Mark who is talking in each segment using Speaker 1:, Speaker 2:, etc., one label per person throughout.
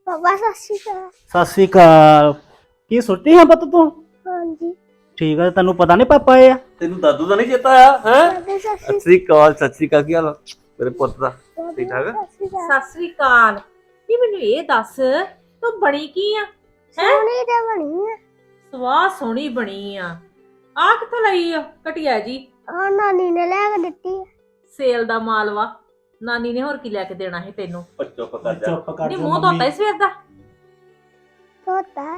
Speaker 1: ਪਾਪਾ ਸਤਿ ਸ਼੍ਰੀ ਅਕਾਲ।
Speaker 2: ਸਤਿ ਸ੍ਰੀ ਅਕਾਲ। ਕੀ ਸੁੱਟੀ ਹਾਂ ਪੁੱਤ ਤੂੰ?
Speaker 1: ਹਾਂਜੀ
Speaker 2: ਠੀਕ ਆ, ਤੈਨੂੰ ਪਤਾ ਨਹੀਂ ਪਾਪਾ ਆਏ ਆ?
Speaker 3: ਤੈਨੂੰ ਦਾਦੂ ਦਾ ਨਹੀਂ ਚੇਤਾ ਆਇਆ ਹੈ?
Speaker 1: ਦਾਦੀ ਸਤਿ
Speaker 3: ਸਤਿ ਸ੍ਰੀ ਅਕਾਲ, ਸਤਿ ਸ੍ਰੀ ਅਕਾਲ। ਕੀ ਹਾਲ ਆ ਮੇਰੇ ਪੁੱਤ ਦਾ?
Speaker 1: ਸ਼੍ਰੀ
Speaker 3: ਠੀਕ ਠਾਕ?
Speaker 1: ਸਤਿ ਸ਼੍ਰੀ ਅਕਾਲ।
Speaker 4: ਸਤਿ ਸ੍ਰੀ ਅਕਾਲ। ਨੀ ਮੈਨੂੰ ਇਹ ਦੱਸ, ਤੂੰ ਬਣੀ ਕੀ ਆ?
Speaker 1: ਸੋਹਣੀ ਤੇ ਬਣੀ ਆ।
Speaker 4: ਸਵਾਹ ਸੋਹਣੀ ਬਣੀ ਆ। ਆ ਕਿੱਥੋਂ ਲਈ ਆ ਘਟਿਆ ਜੀ?
Speaker 1: ਆ ਨਾਨੀ ਨੇ ਲੈ ਕੇ ਦਿੱਤੀ ਆ।
Speaker 4: ਸੇਲ ਦਾ ਮਾਲ ਵਾ। ਨਾਨੀ ਨੇ ਹੋਰ ਕੀ ਲੈ ਕੇ ਦੇਣਾ ਹੈ ਤੈਨੂੰ?
Speaker 3: ਉਹ ਚੁੱਪ ਕਰ ਜਾ।
Speaker 2: ਚੁੱਪ ਕਰ
Speaker 4: ਨੀ
Speaker 2: ਜਾ
Speaker 4: ਮੂੰਹ ਧੋਤਾ
Speaker 2: ਮੰਮੀ।
Speaker 4: ਹੀ ਸਵੇਰ ਦਾ।
Speaker 1: ਤੋਤਾ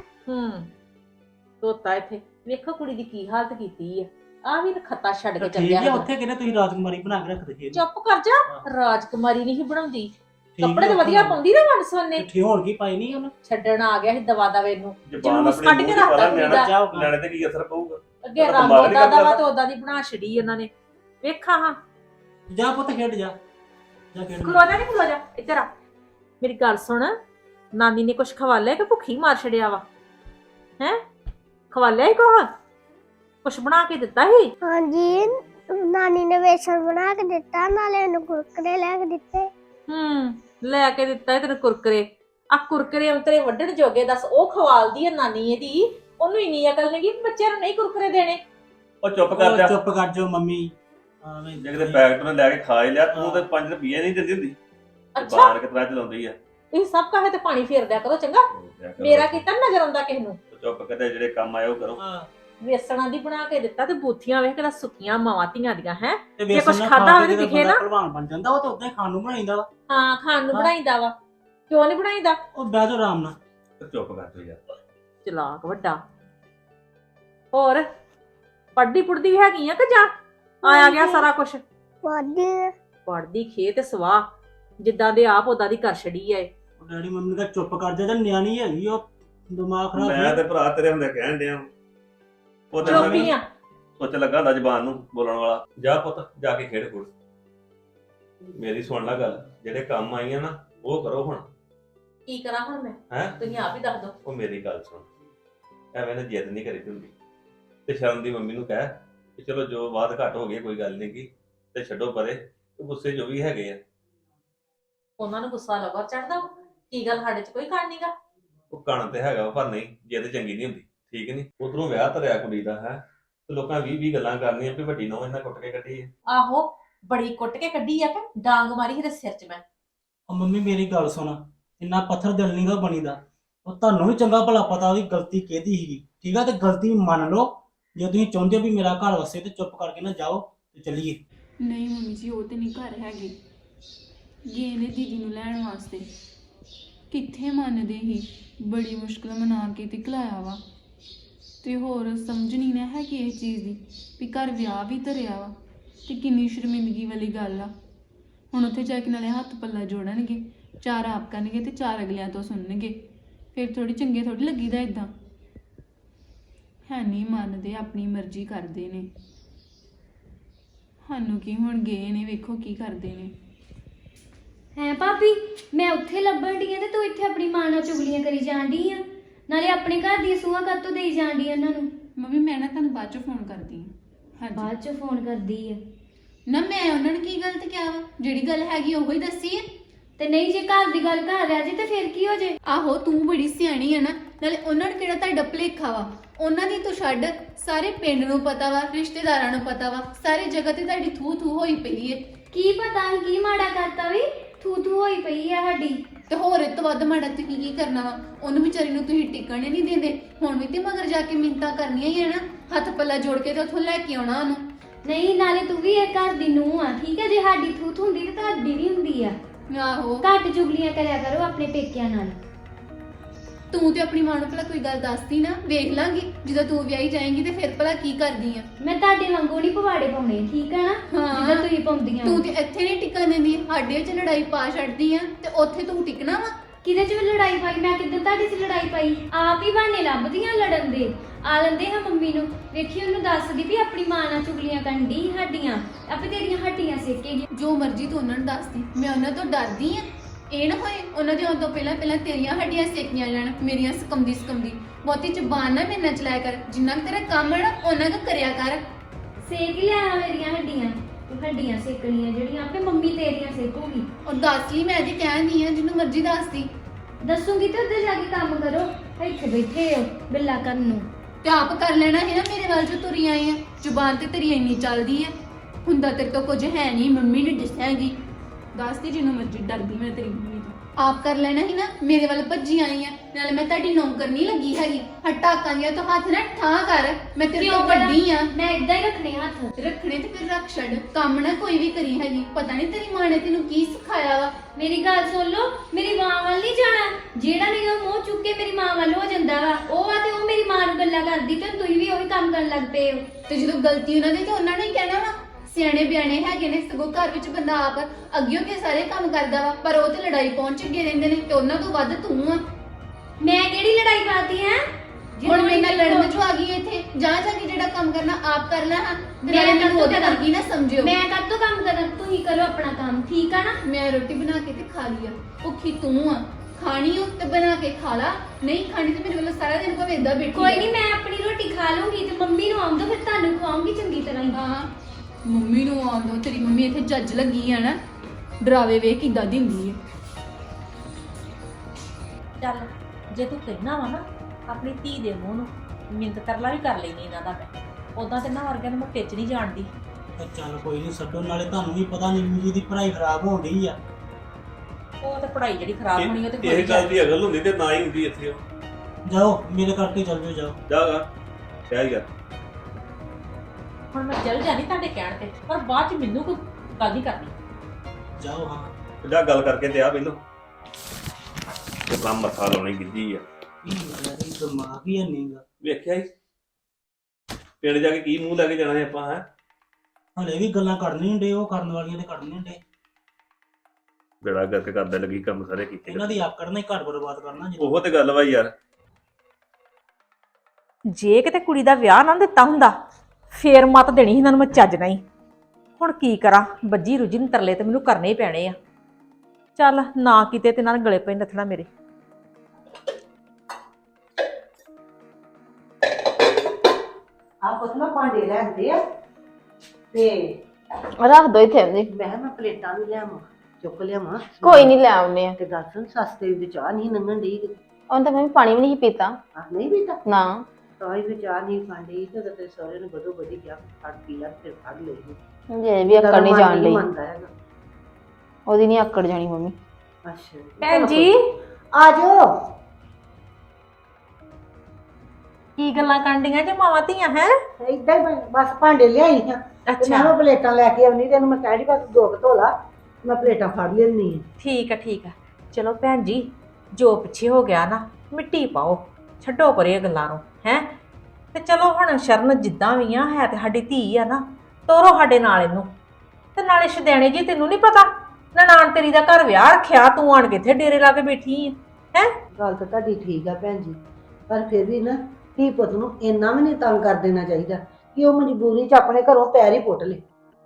Speaker 4: ਧੋਤਾ ਇੱਥੇ ਵੇਖੋ ਕੁੜੀ ਦੀ ਕੀ ਹਾਲਤ ਕੀਤੀ ਆ। ਆ ਵੀ ਖੱਤਾ ਛੱਡ ਕੇ ਚੱਲ
Speaker 2: ਠੀਕ
Speaker 4: ਗਿਆ
Speaker 2: ਆ, ਉੱਥੇ ਕਿਹਨੇ ਤੁਸੀਂ ਰਾਜਕੁਮਾਰੀ ਬਣਾ ਕੇ ਰੱਖਦੇ ਸੀ?
Speaker 4: ਚੁੱਪ ਕਰ ਜਾ। ਰਾਜਕੁਮਾਰੀ ਨਹੀਂ ਬਣਾਉਂਦੀ।
Speaker 2: ਠੀਕ
Speaker 4: ਕੱਪੜੇ ਤਾਂ
Speaker 2: ਆ,
Speaker 4: ਵਧੀਆ ਪਾਉਂਦੀ ਨਾ ਵਨਸਵਨੇ।
Speaker 2: ਇੱਥੇ ਹੋਰ ਕੀ ਪਾਈ ਨਹੀਂ ਉਹਨੇ?
Speaker 4: ਛੱਡਣ ਆ ਗਿਆ ਸੀ ਦਵਾ ਦਵੇ ਨੂੰ।
Speaker 3: ਜ਼ਬਾਨ
Speaker 4: ਜਲੂਸ
Speaker 3: ਆਪਣੀ
Speaker 4: ਕੱਢ ਕੇ
Speaker 3: ਮੂੰਹ 'ਚ ਪਾ
Speaker 4: ਰੱਖਤਾ
Speaker 3: ਲੈ,
Speaker 4: ਕੁੜੀ
Speaker 3: ਨਿਆਣਾ
Speaker 4: ਦਾ।
Speaker 2: ਜਾਓ
Speaker 3: ਨਿਆਣੇ ਤੇ ਕੀ ਅਸਰ ਪਊਗਾ?
Speaker 4: ਅੱਗੇ
Speaker 3: ਤਾਂ
Speaker 4: ਰੰਗ
Speaker 3: ਦਿਮਾਗ ਨੀ
Speaker 4: ਉਦਾਂ ਦਾ ਵਾ
Speaker 3: ਕੰਮ
Speaker 4: ਤੇ ਉਦਾਂ ਦੀ ਬਣਾ ਛੜੀ ਇਹਨਾਂ ਨੇ। ਵੇਖਾਂ ਹਾਂ।
Speaker 2: ਜਾ ਪੁੱਤ ਖੇਡ ਜਾ ਖੇਡ।
Speaker 4: ਖਲੋ ਜਾ, ਨਹੀਂ ਖਲੋ ਜਾ, ਇੱਧਰ ਆ। ਮੇਰੀ ਗੱਲ ਸੁਣ, ਨਾਨੀ ਨੇ ਕੁਛ ਖਵਾ ਲਿਆ ਕਿ ਭੁੱਖੀ ਮਾਰ ਛੜਿਆ ਵਾ? ਹੈ ਖਵਾ ਲਿਆ ਹੀ ਕੁਛ ਬਣਾ ਕੇ ਦਿੱਤਾ ਸੀ?
Speaker 1: ਹਾਂਜੀ ਨਾਨੀ ਨੇ ਵੇਸਣ ਬਣਾ ਕੇ ਦਿੱਤਾ, ਨਾਲੇ ਉਹਨੂੰ ਕੁਰਕਰੇ ਲੈ ਕੇ ਦਿੱਤੇ।
Speaker 4: ਲੈ ਕੇ ਦਿੱਤਾ ਤੈਨੂੰ ਕੁਰਕਰੇ। ਆ ਕੁਰਕਰੇ ਅੰਤਰੇ ਵੱਢਣ ਜੋਗੇ ਦੱਸ ਉਹ ਖਵਾਲਦੀ ਹੈ ਨਾਨੀ ਇਹਦੀ। ਉਹਨੂੰ ਇੰਨੀ ਅਕਲ ਨਹੀਂ ਕਿ ਬੱਚਿਆਂ ਨੂੰ ਨਹੀਂ ਕੁਰਕਰੇ ਦੇਣੇ।
Speaker 3: ਉਹ ਚੁੱਪ ਕਰ ਜਾ।
Speaker 2: ਚੁੱਪ ਕਰ ਜਾ ਮੰਮੀ। ਆਵੇਂ
Speaker 3: ਜੇ ਕਿਤੇ ਪੈਕਟ ਨੇ ਲੈ ਕੇ ਖਾ ਹੀ ਲਿਆ, ਤੂੰ ਤੇ 5 ਰੁਪਏ ਨਹੀਂ ਦਿੰਦੀ ਹੁੰਦੀ।
Speaker 4: ਅੱਛਾ
Speaker 3: ਜ਼ਬਾਨ ਕਿਤਨਾ ਚਲਾਉਂਦੀ ਆ।
Speaker 4: ਇਹ ਸਭ ਕਾਹੇ ਤੇ ਪਾਣੀ ਫੇਰ ਦਿਆ ਕਰੋ ਚੰਗਾ। ਮੇਰਾ ਕੀਤਾ ਨੀ ਨਜ਼ਰ ਆਉਂਦਾ ਕਿਸੇ ਨੂੰ।
Speaker 3: ਚੁੱਪ ਕਰਦੇ ਜਿਹੜੇ ਕੰਮ ਆਏ ਉਹ ਕਰੋ।
Speaker 2: ਹਾਂ,
Speaker 4: ਵੇਸਣਾਂ ਦੀ ਬਣਾ ਕੇ ਦਿੱਤਾ ਤੇ ਬੂਥੀਆਂ ਵੇਖ ਕੇ ਸੁੱਕੀਆਂ ਮਾਵਾਂ ਧੀਆਂ ਦੀਆਂ ਹੈ।
Speaker 2: ਤੇ
Speaker 4: ਜੇ
Speaker 2: ਵੇਸਣ
Speaker 4: ਕੁਛ
Speaker 2: ਨਾਲ
Speaker 4: ਖਾਧਾ
Speaker 2: ਖਾ
Speaker 4: ਹੋਵੇ
Speaker 2: ਕੇ
Speaker 4: ਤੇ
Speaker 2: ਜਦੋਂ
Speaker 4: ਦਿਖੇ
Speaker 2: ਬੰਦਾ
Speaker 4: ਨਾ।
Speaker 2: ਭਲਵਾਨ ਬਣ ਜਾਂਦਾ, ਉਹ ਤਾਂ ਉਦਾਂ ਹੀ ਖਾਣ ਨੂੰ ਬਣਾਈਦਾ ਵਾ।
Speaker 4: ਹਾਂ ਖਾਣ ਨੂੰ
Speaker 2: ਹਾਂ।
Speaker 4: ਬਣਾਈਦਾ ਵਾ। ਕਿਉਂ ਨਹੀਂ ਬਣਾਈਦਾ?
Speaker 2: ਉਹ ਬਹਿ ਜਾ ਆਰਾਮ ਨਾਲ।
Speaker 3: ਚੁੱਪ ਕਰ ਜਾ ਯਾਰ।
Speaker 4: ਚਲਾਕ ਵੱਡਾ। ਹੋਰ ਪੜਦੀ ਪੁੜਦੀ ਹੈਗੀ ਆ ਕਿ ਜਾ ਆਇਆ ਗਿਆ ਸਾਰਾ ਕੁਛ?
Speaker 1: ਵਾਦੀ
Speaker 4: ਪੜਦੀ ਖੇ ਤੇ ਸਵਾਹ ਜਿੱਦਾਂ ਦੇ ਆਪ ਉਦਾਂ ਦੀ ਕਰ ਛੜੀ ਐ।
Speaker 2: ਉਹ ਡੈਡੀ ਮੰਮੀ ਨੇ ਕਿਹਾ ਚੁੱਪ ਕਰ ਜਾ, ਜਾਂ ਨਿਆਣੀ ਹੈਗੀ ਉਹ ਦਿਮਾਗ ਖਰਾਬ
Speaker 3: ਮੈਂ ਤੇ ਭਰਾ ਤੇਰੇ ਹੁੰਦੇ ਕਹਿਣ ਡਿਆ ਉਹ ਤੇ
Speaker 4: ਚੁੱਪੀ ਆ।
Speaker 3: ਸੋਚ ਲੱਗਾ ਹੁੰਦਾ ਜ਼ਬਾਨ ਨੂੰ ਬੋਲਣ ਵਾਲਾ। ਜਾ ਪੁੱਤ ਜਾ ਕੇ ਖੇਡ ਖੁੜ। ਮੇਰੀ ਸੁਣ ਲੈ ਗੱਲ, ਜਿਹੜੇ ਕੰਮ ਆਈਆਂ ਨਾ ਉਹ ਕਰੋ ਹੁਣ।
Speaker 4: ਕੀ ਕਰਾਂ ਹੁਣ ਮੈਂ?
Speaker 3: ਹੈਂ?
Speaker 4: ਤੁਸੀਂ ਆਪ ਹੀ ਦੱਸ ਦੋ।
Speaker 3: ਉਹ ਮੇਰੀ ਗੱਲ ਸੁਣ, ਐਵੇਂ ਨਾ ਜਿੱਦ ਨਹੀਂ ਕਰੀ ਹੁੰਦੀ। ਤੇ ਸ਼ਰਮ ਦੀ ਮੰਮੀ ਨੂੰ ਕਹਿ ਕਿ ਚਲੋ ਜੋ ਬਾਤ ਘੱਟ ਹੋ ਗਈ ਕੋਈ ਗੱਲ ਨਹੀਂ ਕੀ, ਤੇ ਛੱਡੋ ਪਰੇ। ਤੇ ਗੁੱਸੇ ਜੋ ਵੀ ਹੈਗੇ ਆ
Speaker 4: ਉਹਨਾਂ ਨੂੰ ਗੁੱਸਾ ਲਗਾ ਚੜਦਾ। ਕੀ ਗੱਲ ਸਾਡੇ ਚ ਕੋਈ ਕਾਰਨ ਨਹੀਂਗਾ?
Speaker 3: ਉਹ ਕਣ ਤੇ ਹੈਗਾ ਵਾ, ਪਰ ਨਹੀਂ ਜਿੱਦ ਚੰਗੀ ਨਹੀਂ ਹੁੰਦੀ। ਠੀਕ ਨਹੀਂ? ਉਧਰੋਂ ਵਿਆਹ ਧਰਿਆ ਕੁੜੀ ਦਾ ਹੈ ਤੇ ਲੋਕਾਂ 20 ਗੱਲਾਂ ਕਰਨੀਆਂ ਵੀ ਵੱਡੀ ਨੂੰ ਇਹਨਾਂ ਕੁੱਟ ਕੇ ਕੱਢੀ ਹੈ।
Speaker 4: ਆਹੋ ਬੜੀ ਕੁੱਟ ਕੇ ਕੱਢੀ ਆ ਕਿ ਡਾਂਗ ਮਾਰੀ ਇਹਦੇ ਸਿਰ 'ਚ ਮੈਂ।
Speaker 2: ਉਹ ਮੰਮੀ ਮੇਰੀ ਗੱਲ ਸੁਣ, ਇੰਨਾ ਪੱਥਰ ਦਿਲ ਨਹੀਂ ਦਾ ਬਣੀਦਾ। ਉਹ ਤੁਹਾਨੂੰ ਵੀ ਚੰਗਾ ਭਲਾ ਪਤਾ ਉਹਦੀ ਗਲਤੀ ਕਿਹਦੀ ਸੀਗੀ। ਠੀਕ ਆ, ਤੇ ਗਲਤੀ ਮੰਨ ਲਓ। ਜੇ ਤੁਸੀਂ ਚਾਹੁੰਦੇ ਹੋ ਵੀ ਮੇਰਾ ਘਰ ਵਸੇ ਤੇ ਚੁੱਪ ਕਰਕੇ ਨਾ ਜਾਓ ਤੇ ਚੱਲੀਏ।
Speaker 5: ਨਹੀਂ ਮੰਮੀ ਜੀ, ਉਹ ਤੇ ਨਹੀਂ ਘਰ ਹੈਗੇ। ਗਏ ਨੇ ਦੀਦੀ ਨੂੰ ਲੈਣ ਵਾਸਤੇ। ਕਿੱਥੇ ਮੰਨਦੇ ਹੀ, ਬੜੀ ਮੁਸ਼ਕਲ ਮਨਾ ਕੇ ਤੇ ਘਲਾਇਆ ਵਾ। ਤੇ ਹੋਰ ਸਮਝ ਨਹੀਂ ਨਾ ਹੈ ਕਿ ਇਸ ਚੀਜ਼ ਦੀ ਵੀ ਘਰ ਵਿਆਹ ਵੀ ਧਰਿਆ ਵਾ ਤੇ ਕਿੰਨੀ ਸ਼ਰਮਿੰਦਗੀ ਵਾਲੀ ਗੱਲ ਆ। ਹੁਣ ਉੱਥੇ ਜਾ ਕੇ ਨਾਲੇ ਹੱਥ ਪੱਲਾ ਜੋੜਨਗੇ, 4 ਆਪ ਕਰਨਗੇ ਤੇ 4 ਅਗਲਿਆਂ ਤੋਂ ਸੁਣਨਗੇ। ਫਿਰ ਥੋੜੀ ਚੰਗੇ ਥੋੜੀ ਲੱਗੀਦਾ ਇਦਾਂ। ਹੈ ਨਹੀਂ ਮੰਨਦੇ, ਆਪਣੀ ਮਰਜ਼ੀ ਕਰਦੇ ਨੇ। ਸਾਨੂੰ ਕੀ, ਹੁਣ ਗਏ ਨੇ ਵੇਖੋ ਕੀ ਕਰਦੇ ਨੇ।
Speaker 6: ਹੈ ਭਾਬੀ, ਮੈਂ ਉੱਥੇ ਲੱਭਣ ਡਈ ਆ ਤੇ ਤੂੰ ਇੱਥੇ ਆਪਣੀ ਮਾਂ ਨਾਲ ਚੁਗਲੀਆਂ ਕਰੀ ਜਾਣ ਡਈ ਆ, ਨਾਲੇ ਆਪਣੇ ਘਰ ਦੀ ਸੂਹਾਂ ਕਾਤੋਂ ਦੇਈ ਜਾਣ ਡਈ ਉਹਨਾਂ ਨੂੰ।
Speaker 5: ਮੰਮੀ ਮੈਂ ਨਾ ਤੁਹਾਨੂੰ ਬਾਅਦ ਚ ਫੋਨ ਕਰਦੀ ਹਾਂ। ਹਾਂਜੀ
Speaker 6: ਬਾਅਦ ਚ ਫੋਨ ਕਰਦੀ ਆ
Speaker 5: ਨਾ, ਮੈਂ ਉਹਨਾਂ ਨੂੰ ਕੀ ਗਲਤ ਕਿਹਾ ਵਾ? ਜਿਹੜੀ ਗੱਲ ਹੈਗੀ ਉਹੀ ਦੱਸੀ ਹੈ।
Speaker 6: ਤੇ ਨਹੀਂ, ਜੇ ਘਰ ਦੀ ਗੱਲ ਘਰ ਰਹਿ ਜੇ ਤੇ ਫਿਰ ਕੀ ਹੋ ਜੇ?
Speaker 5: ਆਹੋ ਤੂੰ ਬੜੀ ਸਿਆਣੀ ਹੈ ਨਾ, ਨਾਲੇ ਉਹਨਾਂ ਨੂੰ ਕਿਹੜਾ ਤੁਹਾਡਾ ਭੁਲੇਖਾ ਵਾ? ਉਹਨਾਂ ਦੀ ਤੂੰ ਛੱਡ, ਸਾਰੇ ਪਿੰਡ ਨੂੰ ਪਤਾ ਵਾ, ਰਿਸ਼ਤੇਦਾਰਾਂ ਨੂੰ ਪਤਾ ਵਾ, ਸਾਰੀ ਜਗ੍ਹਾ ਤੇ ਤੁਹਾਡੀ ਥੂ ਥੂ ਹੋਈ ਪਈ ਹੈ।
Speaker 6: ਕੀ ਪਤਾ ਹੀ ਕੀ ਮਾੜਾ ਕਰਤਾ ਵੀ ਥੂ ਥੂ ਹੋਈ ਪਈ ਆ ਸਾਡੀ।
Speaker 5: ਤੇ ਹੋਰ ਇਹ ਤੋਂ ਵੱਧ ਮਾੜਾ ਤੁਸੀਂ ਕੀ ਕਰਨਾ ਵਾ? ਉਹਨੂੰ ਵਿਚਾਰੀ ਨੂੰ ਤੁਸੀਂ ਟਿਕਣ ਨਹੀਂ ਦਿੰਦੇ। ਹੁਣ ਵੀ ਤੇ ਮਗਰ ਜਾ ਕੇ ਮਿੰਨਤਾਂ ਕਰਨੀਆਂ ਹੀ ਹੈ ਨਾ, ਹੱਥ ਪੱਲਾ ਜੋੜ ਕੇ ਤੇ ਉੱਥੋਂ ਲੈ ਕੇ ਆਉਣਾ ਉਹਨੂੰ।
Speaker 6: ਨਹੀਂ, ਨਾਲੇ ਤੂੰ ਵੀ ਇਹ ਘਰ ਦੀ ਨੂੰਹ ਆ, ਠੀਕ ਹੈ? ਜੇ ਸਾਡੀ ਥੂ ਥੂ ਹੁੰਦੀ ਤੇ ਤੁਹਾਡੀ ਵੀ ਹੁੰਦੀ ਆ।
Speaker 5: ਆਹੋ
Speaker 6: ਘੱਟ ਚੁਗਲੀਆਂ ਕਰਿਆ ਕਰੋ ਆਪਣੇ ਪੇਕਿਆਂ ਨਾਲ।
Speaker 5: ਤੂੰ ਤੇ ਆਪਣੀ ਮਾਂ ਨੂੰ ਭਲਾ ਕੋਈ ਗੱਲ ਦੱਸਦੀ ਨਾ, ਵੇਖ ਲਾਂਗੀ ਜਦੋਂ ਤੂੰ ਵਿਆਹੀ ਜਾਏਂਗੀ ਤੇ ਫਿਰ ਭਲਾ ਕੀ ਕਰਦੀ ਆ।
Speaker 6: ਮੈਂ ਤੁਹਾਡੇ ਵਾਂਗੂ ਨਹੀਂ ਪਵਾੜੇ ਪਾਉਣੇ, ਠੀਕ ਹੈ ਨਾ?
Speaker 5: ਹਾਂ।
Speaker 6: ਜਿੱਦਾਂ ਤੁਸੀਂ ਪਾਉਂਦੀਆਂ।
Speaker 5: ਤੂੰ ਤੇ ਇੱਥੇ ਨਹੀਂ ਟਿਕਣ ਦਿੰਦੀ, ਸਾਡੇ ਵਿੱਚ ਲੜਾਈ ਪਾ ਛੱਡਦੀ ਆ ਤੇ ਉੱਥੇ ਤੂੰ ਟਿਕਣਾ ਵਾ।
Speaker 6: ਕਿਹਦੇ ਚ ਵੀ ਲੜਾਈ ਪਾਈ? ਮੈਂ ਕਿੱਦਾਂ ਤੁਹਾਡੇ ਚ ਲੜਾਈ ਪਾਈ? ਆਪ ਹੀ ਬਹਾਨੇ ਲੱਭਦੀਆਂ ਲੜਨ ਦੇ। ਆ ਲੈਂਦੇ ਹਾਂ ਮੰਮੀ ਨੂੰ, ਵੇਖੀ ਉਹਨੂੰ ਦੱਸਦੀ ਵੀ ਆਪਣੀ ਮਾਂ ਨਾਲ ਚੁਗਲੀਆਂ ਕਰਨ ਡਈ ਸਾਡੀਆਂ, ਆਪੇ ਤੇਰੀਆਂ ਹੱਡੀਆਂ ਸੇਕੇਗੀ।
Speaker 5: ਜੋ ਮਰਜ਼ੀ ਤੂੰ ਉਹਨਾਂ ਨੂੰ ਦੱਸਦੀ, ਮੈਂ ਉਹਨਾਂ ਤੋਂ ਡਰਦੀ ਆ। ਇਹ ਨਾ ਹੋਏ ਉਹਨਾਂ ਦੇ ਆਉਣ ਤੋਂ ਪਹਿਲਾਂ ਤੇਰੀਆਂ ਹੱਡੀਆਂ ਸੇਕੀਆਂ ਜਾਣ, ਮੇਰੀਆਂ ਸਕੰਦੀ ਬਹੁਤੀ ਜ਼ੁਬਾਨ ਨਾ ਮੇਰੇ ਨਾਲ ਚਲਾਇਆ ਕਰ। ਜਿੰਨਾ ਕੁ ਤੇਰਾ ਕੰਮ ਹੈ ਨਾ ਉਹਨਾਂ ਕੁ ਕਰਿਆ ਕਰ।
Speaker 6: ਸੇਕ ਹੀ ਲਿਆ ਮੇਰੀਆਂ ਹੱਡੀਆਂ। ਤੂੰ ਹੱਡੀਆਂ ਸੇਕਣੀਆਂ ਜਿਹੜੀਆਂ ਆਪੇ ਮੰਮੀ ਤੇਰੀਆਂ ਸੇਕੂਗੀ।
Speaker 5: ਔਰ ਦੱਸ ਲਈ, ਮੈਂ ਅਜੇ ਕਹਿਣ ਨਹੀਂ ਆ, ਜਿਹਨੂੰ ਮਰਜ਼ੀ ਦੱਸਦੀ।
Speaker 6: ਦੱਸੂਗੀ ਤੇ ਉੱਧਰ ਜਾ ਕੇ ਕੰਮ ਕਰੋ। ਇੱਥੇ ਬੈਠੇ ਹੋ ਗੱਲਾਂ ਕਰਨ ਨੂੰ।
Speaker 5: ਤੇ ਆਪ ਕਰ ਲੈਣਾ ਹੈ ਨਾ, ਮੇਰੇ ਵੱਲ ਜੋ ਤੁਰੀ ਆਈ ਆ। ਜ਼ੁਬਾਨ ਤੇ ਤੇਰੀ ਇੰਨੀ ਚੱਲਦੀ ਹੈ, ਹੁੰਦਾ ਤੇਰੇ ਤੋਂ ਕੁਝ ਹੈ ਨਹੀਂ, ਮੰਮੀ ਨੇ ਦੱਸਿਆਗੀ। ਦੱਸਦੀ ਜਿਹਨੂੰ ਮਰਜ਼ੀ, ਡਰਦੀ ਮੈਂ ਤੇਰੀ ਮੰਮੀ ਤੋਂ। ਆਪ ਕਰ ਲੈਣਾ ਸੀ ਨਾ, ਮੇਰੇ ਵੱਲ ਭੱਜੀ ਆਈ ਆ। ਨਾਲੇ ਮੈਂ ਤੁਹਾਡੀ ਨੌਕਰ ਨਹੀਂ ਲੱਗੀ ਹੈਗੀ। ਹਟਾਕਾਂ ਦੀਆਂ ਤਾਂ ਹੱਥ ਨਾ ਠਾਂ ਕਰ, ਮੈਂ ਤੇਰੇ ਤੋਂ ਵੱਡੀ ਆ।
Speaker 6: ਮੈਂ ਇਦਾਂ ਹੀ ਰੱਖਣੇ ਹੱਥ।
Speaker 5: ਰੱਖਣੇ ਤੇ ਫਿਰ ਰੱਖ ਛੱਡ, ਕੰਮ ਨਾ ਕੋਈ ਵੀ ਕਰੀ ਹੈਗੀ। ਪਤਾ ਨਹੀਂ ਤੇਰੀ ਮਾਂ ਨੇ ਤੈਨੂੰ ਕੀ ਸਿਖਾਇਆ ਵਾ।
Speaker 6: ਮੇਰੀ ਗੱਲ ਸੁਣ ਲਓ, ਮੇਰੀ ਮਾਂ ਵੱਲ ਨਹੀਂ ਜਾਣਾ। ਜਿਹੜਾ ਨਹੀਂ ਉਹ ਮੂੰਹ ਚੁੱਕ ਕੇ ਮੇਰੀ ਮਾਂ ਵੱਲ ਹੋ ਜਾਂਦਾ ਵਾ, ਉਹ ਆ ਤੇ ਉਹ ਮੇਰੀ ਮਾਂ ਨੂੰ ਗੱਲਾਂ ਕਰਦੀ ਤੇ ਤੁਸੀਂ ਵੀ ਉਹੀ ਕੰਮ ਕਰਨ ਲੱਗ ਪਏ ਹੋ।
Speaker 5: ਤੇ ਜਦੋਂ ਗਲਤੀ ਉਹਨਾਂ ਦੀ ਤੇ ਉਹਨਾਂ ਨੇ ਹੀ ਕਹਿਣਾ ਵਾ। ਸਿਆਣੇ ਬਿਆਣੇ ਹੈਗੇ ਨੇ, ਸਗੋਂ ਘਰ ਵਿੱਚ ਬੰਦਾ ਆਪ ਅੱਗੇ ਹੋ ਕੇ ਸਾਰੇ ਕੰਮ ਕਰਦਾ ਵਾ, ਪਰ ਉਹ ਤੇ ਲੜਾਈ ਪਹੁੰਚ ਅੱਗੇ ਰਹਿੰਦੇ ਨੇ ਤੇ ਉਹਨਾਂ ਤੋਂ ਵੱਧ ਤੂੰ ਆ।
Speaker 6: ਮੈਂ ਕਿਹੜੀ ਲੜਾਈ ਪਾਤੀ ਹੈ?
Speaker 5: ਹੁਣ ਮੇਰੇ ਨਾਲ ਲੜਨ ਜੋ ਆ ਗਈ ਇੱਥੇ, ਜਾ ਜਾ ਕੇ ਜਿਹੜਾ ਕੰਮ ਕਰਨਾ ਆਪ ਕਰ ਲੈ। ਹਾਂ,
Speaker 6: ਮੈਂ
Speaker 5: ਮੈਨੂੰ ਉਹਦੇ ਵਰਗੀ ਨਾ ਸਮਝਿਓ।
Speaker 6: ਮੈਂ ਕਦ ਤੋਂ ਕੰਮ ਕਰਾਂ? ਤੁਸੀਂ ਕਰੋ ਆਪਣਾ ਕੰਮ, ਠੀਕ ਆ ਨਾ?
Speaker 5: ਮੈਂ ਰੋਟੀ ਬਣਾ ਕੇ ਤੇ ਖਾ ਲਈ ਆ। ਭੁੱਖੀ ਤੂੰ ਆ, ਖਾਣੀ ਹੋ ਤੇ ਬਣਾ ਕੇ ਖਾ ਲਾ, ਨਹੀਂ ਖਾਣੀ ਤੇ ਮੇਰੇ ਵੱਲੋਂ ਸਾਰਾ ਦਿਨ ਭਾਵੇਂ ਏਦਾਂ ਬੈਠੀ
Speaker 6: ਕੋਈ ਨਹੀਂ, ਮੈਂ ਆਪਣੀ ਰੋਟੀ ਖਾ ਲੂੰਗੀ ਤੇ ਮੰਮੀ ਨੂੰ ਆਉਂਦੋ ਫਿਰ ਤੁਹਾਨੂੰ ਖਵਾਉਂਗੀ ਚੰਗੀ ਤਰ੍ਹਾਂ ਹੀ।
Speaker 5: ਹਾਂ, ਮੰਮੀ ਨੂੰ ਆਉਣ ਦੋ। ਤੇਰੀ ਮੰਮੀ ਇੱਥੇ ਜੱਜ ਲੱਗੀ ਆ ਨਾ, ਡਰਾਵੇ ਵੇ ਕਿੱਦਾਂ ਦਿੰਦੀ ਹੈ।
Speaker 4: ਚੱਲ ਜੇ ਤੂੰ ਕਹਿਣਾ ਵਾ ਨਾ ਆਪਣੀ ਧੀ ਦੇ ਮੂੰਹ ਨੂੰ ਮਿੰਤ ਕਰਲਾ ਵੀ ਕਰ ਲੈਣੀ ਇਹਨਾਂ ਦਾ ਮੈਂ। ਉਦਾਂ ਤੇ ਨਾ ਵਰਗਿਆਂ ਨੂੰ ਮੈਂ ਟਿੱਚ ਨਹੀਂ ਜਾਣਦੀ।
Speaker 2: ਤੇ ਚੱਲ ਕੋਈ ਨਹੀਂ ਛੱਡੋ, ਨਾਲੇ ਤੁਹਾਨੂੰ ਵੀ ਪਤਾ ਨਿੰਮੀ ਜੀ ਦੀ ਪੜ੍ਹਾਈ ਖਰਾਬ ਹੋਣ ਡਈ ਆ।
Speaker 4: ਉਹ ਤੇ ਪੜ੍ਹਾਈ ਜਿਹੜੀ ਖਰਾਬ ਹੋਣੀ ਉਹ ਤੇ
Speaker 3: ਇਹ ਗੱਲ ਦੀ ਅਗਲ ਹੁੰਦੀ ਤੇ ਨਾ ਹੀ ਹੁੰਦੀ ਇੱਥੇ। ਉਹ
Speaker 2: ਜਾਓ ਮੇਰੇ ਕਰਕੇ ਚੱਲ ਜਾਓ, ਜਾਓ।
Speaker 3: ਜਾਗਾ ਸ਼ਾਇਦ ਯਾਰ
Speaker 4: ਹੁਣ ਮੈਂ ਜਲ ਜਾਣੀ ਤੁਹਾਡੇ ਕਹਿਣ ਤੇ, ਪਰ ਬਾਅਦ ਚ ਮੈਨੂੰ ਕੋਈ ਗੱਲ ਨਹੀਂ ਕਰਨੀ।
Speaker 2: ਜਾਓ ਹਾਂ।
Speaker 3: ਜਾ ਗੱਲ ਕਰਕੇ ਤੇ ਆ ਪਹਿਲੋਂ ਤੇ ਕੰਮ ਮੱਥਾ ਲਾਉਣੀ ਗਿੱਜੀ ਆ।
Speaker 2: ਇਹ ਦਿਮਾਗ ਹੀ ਨਹੀਂਗਾ।
Speaker 3: ਵੇਖਿਆ ਹੀ ਪਿੰਡ ਜਾ ਕੇ ਕੀ ਮੂੰਹ ਲੈ ਕੇ ਜਾਣਾ ਹੈ ਆਪਾਂ। ਹੈ
Speaker 2: ਹਲੇ ਵੀ ਗੱਲਾਂ ਕਰਨੀ ਹੁੰਦੇ, ਉਹ ਕਰਨ ਵਾਲੀਆਂ ਤੇ ਕਰਨੀ ਹੁੰਦੇ।
Speaker 3: ਬੇੜਾ ਕਰਕੇ ਕਰਦੇ ਲੱਗੀ ਕੰਮ ਸਾਰੇ ਕੀਤੇ।
Speaker 2: ਇਹਨਾਂ ਦੀ ਆਕੜ ਨੇ ਘਰ ਬਰਬਾਦ ਕਰਨਾ ਜੀ।
Speaker 3: ਉਹ ਤੇ ਗੱਲ ਵਾ ਯਾਰ।
Speaker 4: ਜੇ ਕਿਤੇ ਕੁੜੀ ਦਾ ਵਿਆਹ ਨਾ ਦਿੱਤਾ ਹੁੰਦਾ ਫੇਰ ਮਤ ਦੇਣੀ ਸੀ ਇਹਨਾਂ ਨੂੰ ਮੈਂ ਚੱਜ ਨਹੀਂ। ਹੁਣ ਕੀ ਕਰਾਂ, ਬੱਜੀ ਰੁਜੀ ਨੂੰ ਤਰਲੇ ਤੇ ਮੈਨੂੰ ਕਰਨੇ ਹੀ ਪੈਣੇ ਆ। ਚੱਲ ਨਾ ਕਿਤੇ ਤੇ ਨਾਲ ਗਲੇ ਪੈ ਨੱਥਣਾ ਮੇਰੇ।
Speaker 7: ਆ ਪੁੱਤ ਮੈਂ ਭਾਂਡੇ ਲੈਂਦੇ ਆ ਤੇ
Speaker 8: ਰੱਖ ਦੋ ਇੱਥੇ ਉਹਨੇ।
Speaker 7: ਮੈਂ ਕਿਹਾ ਮੈਂ ਪਲੇਟਾਂ ਵੀ ਲਿਆਵਾਂ, ਚੁੱਕ ਲਿਆਵਾਂ।
Speaker 8: ਕੋਈ ਨਹੀਂ ਲੈ ਆਉਨੇ ਆ।
Speaker 7: ਤੇ ਗੱਲ ਸੁਣ, ਸਸਤੇ ਦੀ ਚਾਹ ਨਹੀਂ ਲੰਘਣ ਡਈ।
Speaker 8: ਉਹਨੇ ਤਾਂ ਮੈਂ ਵੀ ਪਾਣੀ ਵੀ ਨਹੀਂ ਪੀਤਾ
Speaker 7: ਆ ਨਹੀਂ ਪੀਤਾ
Speaker 8: ਨਾ।
Speaker 7: ਤਾਂ ਹੀ ਵੀ ਚਾਹ ਨਹੀਂ ਖਾਂਦੀ ਤੇ ਤੇਰੇ ਸਹੁਰੇ ਨੂੰ ਬਦੋ ਬਦੀ ਗਿਆ ਫੜ ਪੀ ਲੈ, ਫਿਰ ਫੜ ਲਈ।
Speaker 8: ਜੇ ਵੀ ਆਕੜ ਨਹੀਂ ਜਾਣ ਲਈ,
Speaker 7: ਮੰਨਦਾ ਹੈਗਾ।
Speaker 8: ਉਹਦੀ ਨਹੀਂ ਆਕੜ ਜਾਣੀ ਮੰਮੀ।
Speaker 7: ਅੱਛਾ
Speaker 4: ਭੈਣ ਜੀ
Speaker 7: ਆ ਜਾਓ।
Speaker 4: ਕੀ ਗੱਲਾਂ ਕਰਦੀਆਂ ਜੇ ਮਾਵਾਂ ਧੀਆਂ ਹੈ?
Speaker 7: ਏਦਾਂ ਹੀ ਬਸ ਭਾਂਡੇ ਲਿਆਈ ਹਾਂ ਤੇ ਮੈਂ ਕਿਹਾ ਪਲੇਟਾਂ ਲੈ ਕੇ ਆਉਣੀ, ਤੈਨੂੰ ਮੈਂ ਕਹਿ ਬਸ ਦੋ ਕੁ ਧੋ ਲਾ, ਮੈਂ ਪਲੇਟਾਂ ਫੜ ਲੈਣੀ ਆ।
Speaker 4: ਠੀਕ ਆ ਚਲੋ ਭੈਣ ਜੀ, ਜੋ ਪਿੱਛੇ ਹੋ ਗਿਆ ਨਾ ਮਿੱਟੀ ਪਾਓ, ਛੱਡੋ ਪਰੇ ਇਹ ਗੱਲਾਂ ਨੂੰ ਹੈ। ਤੇ ਚਲੋ ਹੁਣ ਸ਼ਰਨ ਜਿੱਦਾਂ ਵੀ ਆ ਹੈ ਤੇ ਸਾਡੀ ਧੀ ਆ ਨਾ, ਤੋਰੋ ਸਾਡੇ ਨਾਲ ਇਹਨੂੰ। ਤੇ ਨਾਲੇ ਸ਼ਦੈਣੇ ਜੀ ਤੈਨੂੰ ਨਹੀਂ ਪਤਾ ਨਨਾਣ ਤੇਰੀ ਦਾ ਘਰ ਵਿਆਹ ਰੱਖਿਆ, ਤੂੰ ਆਣ ਕੇ ਇੱਥੇ ਡੇਰੇ ਲਾ ਕੇ ਬੈਠੀ ਹੈ।
Speaker 7: ਗੱਲ ਤਾਂ ਤੁਹਾਡੀ ਠੀਕ ਆ ਭੈਣ ਜੀ, ਪਰ ਫਿਰ ਵੀ ਨਾ ਧੀ ਪੁੱਤ ਨੂੰ ਇੰਨਾ ਵੀ ਨਹੀਂ ਤੰਗ ਕਰ ਦੇਣਾ ਚਾਹੀਦਾ ਕਿ ਉਹ ਮਜਬੂਰੀ 'ਚ ਆਪਣੇ ਘਰੋਂ ਪੈਰ ਹੀ ਪੁੱਟ ਲੇ।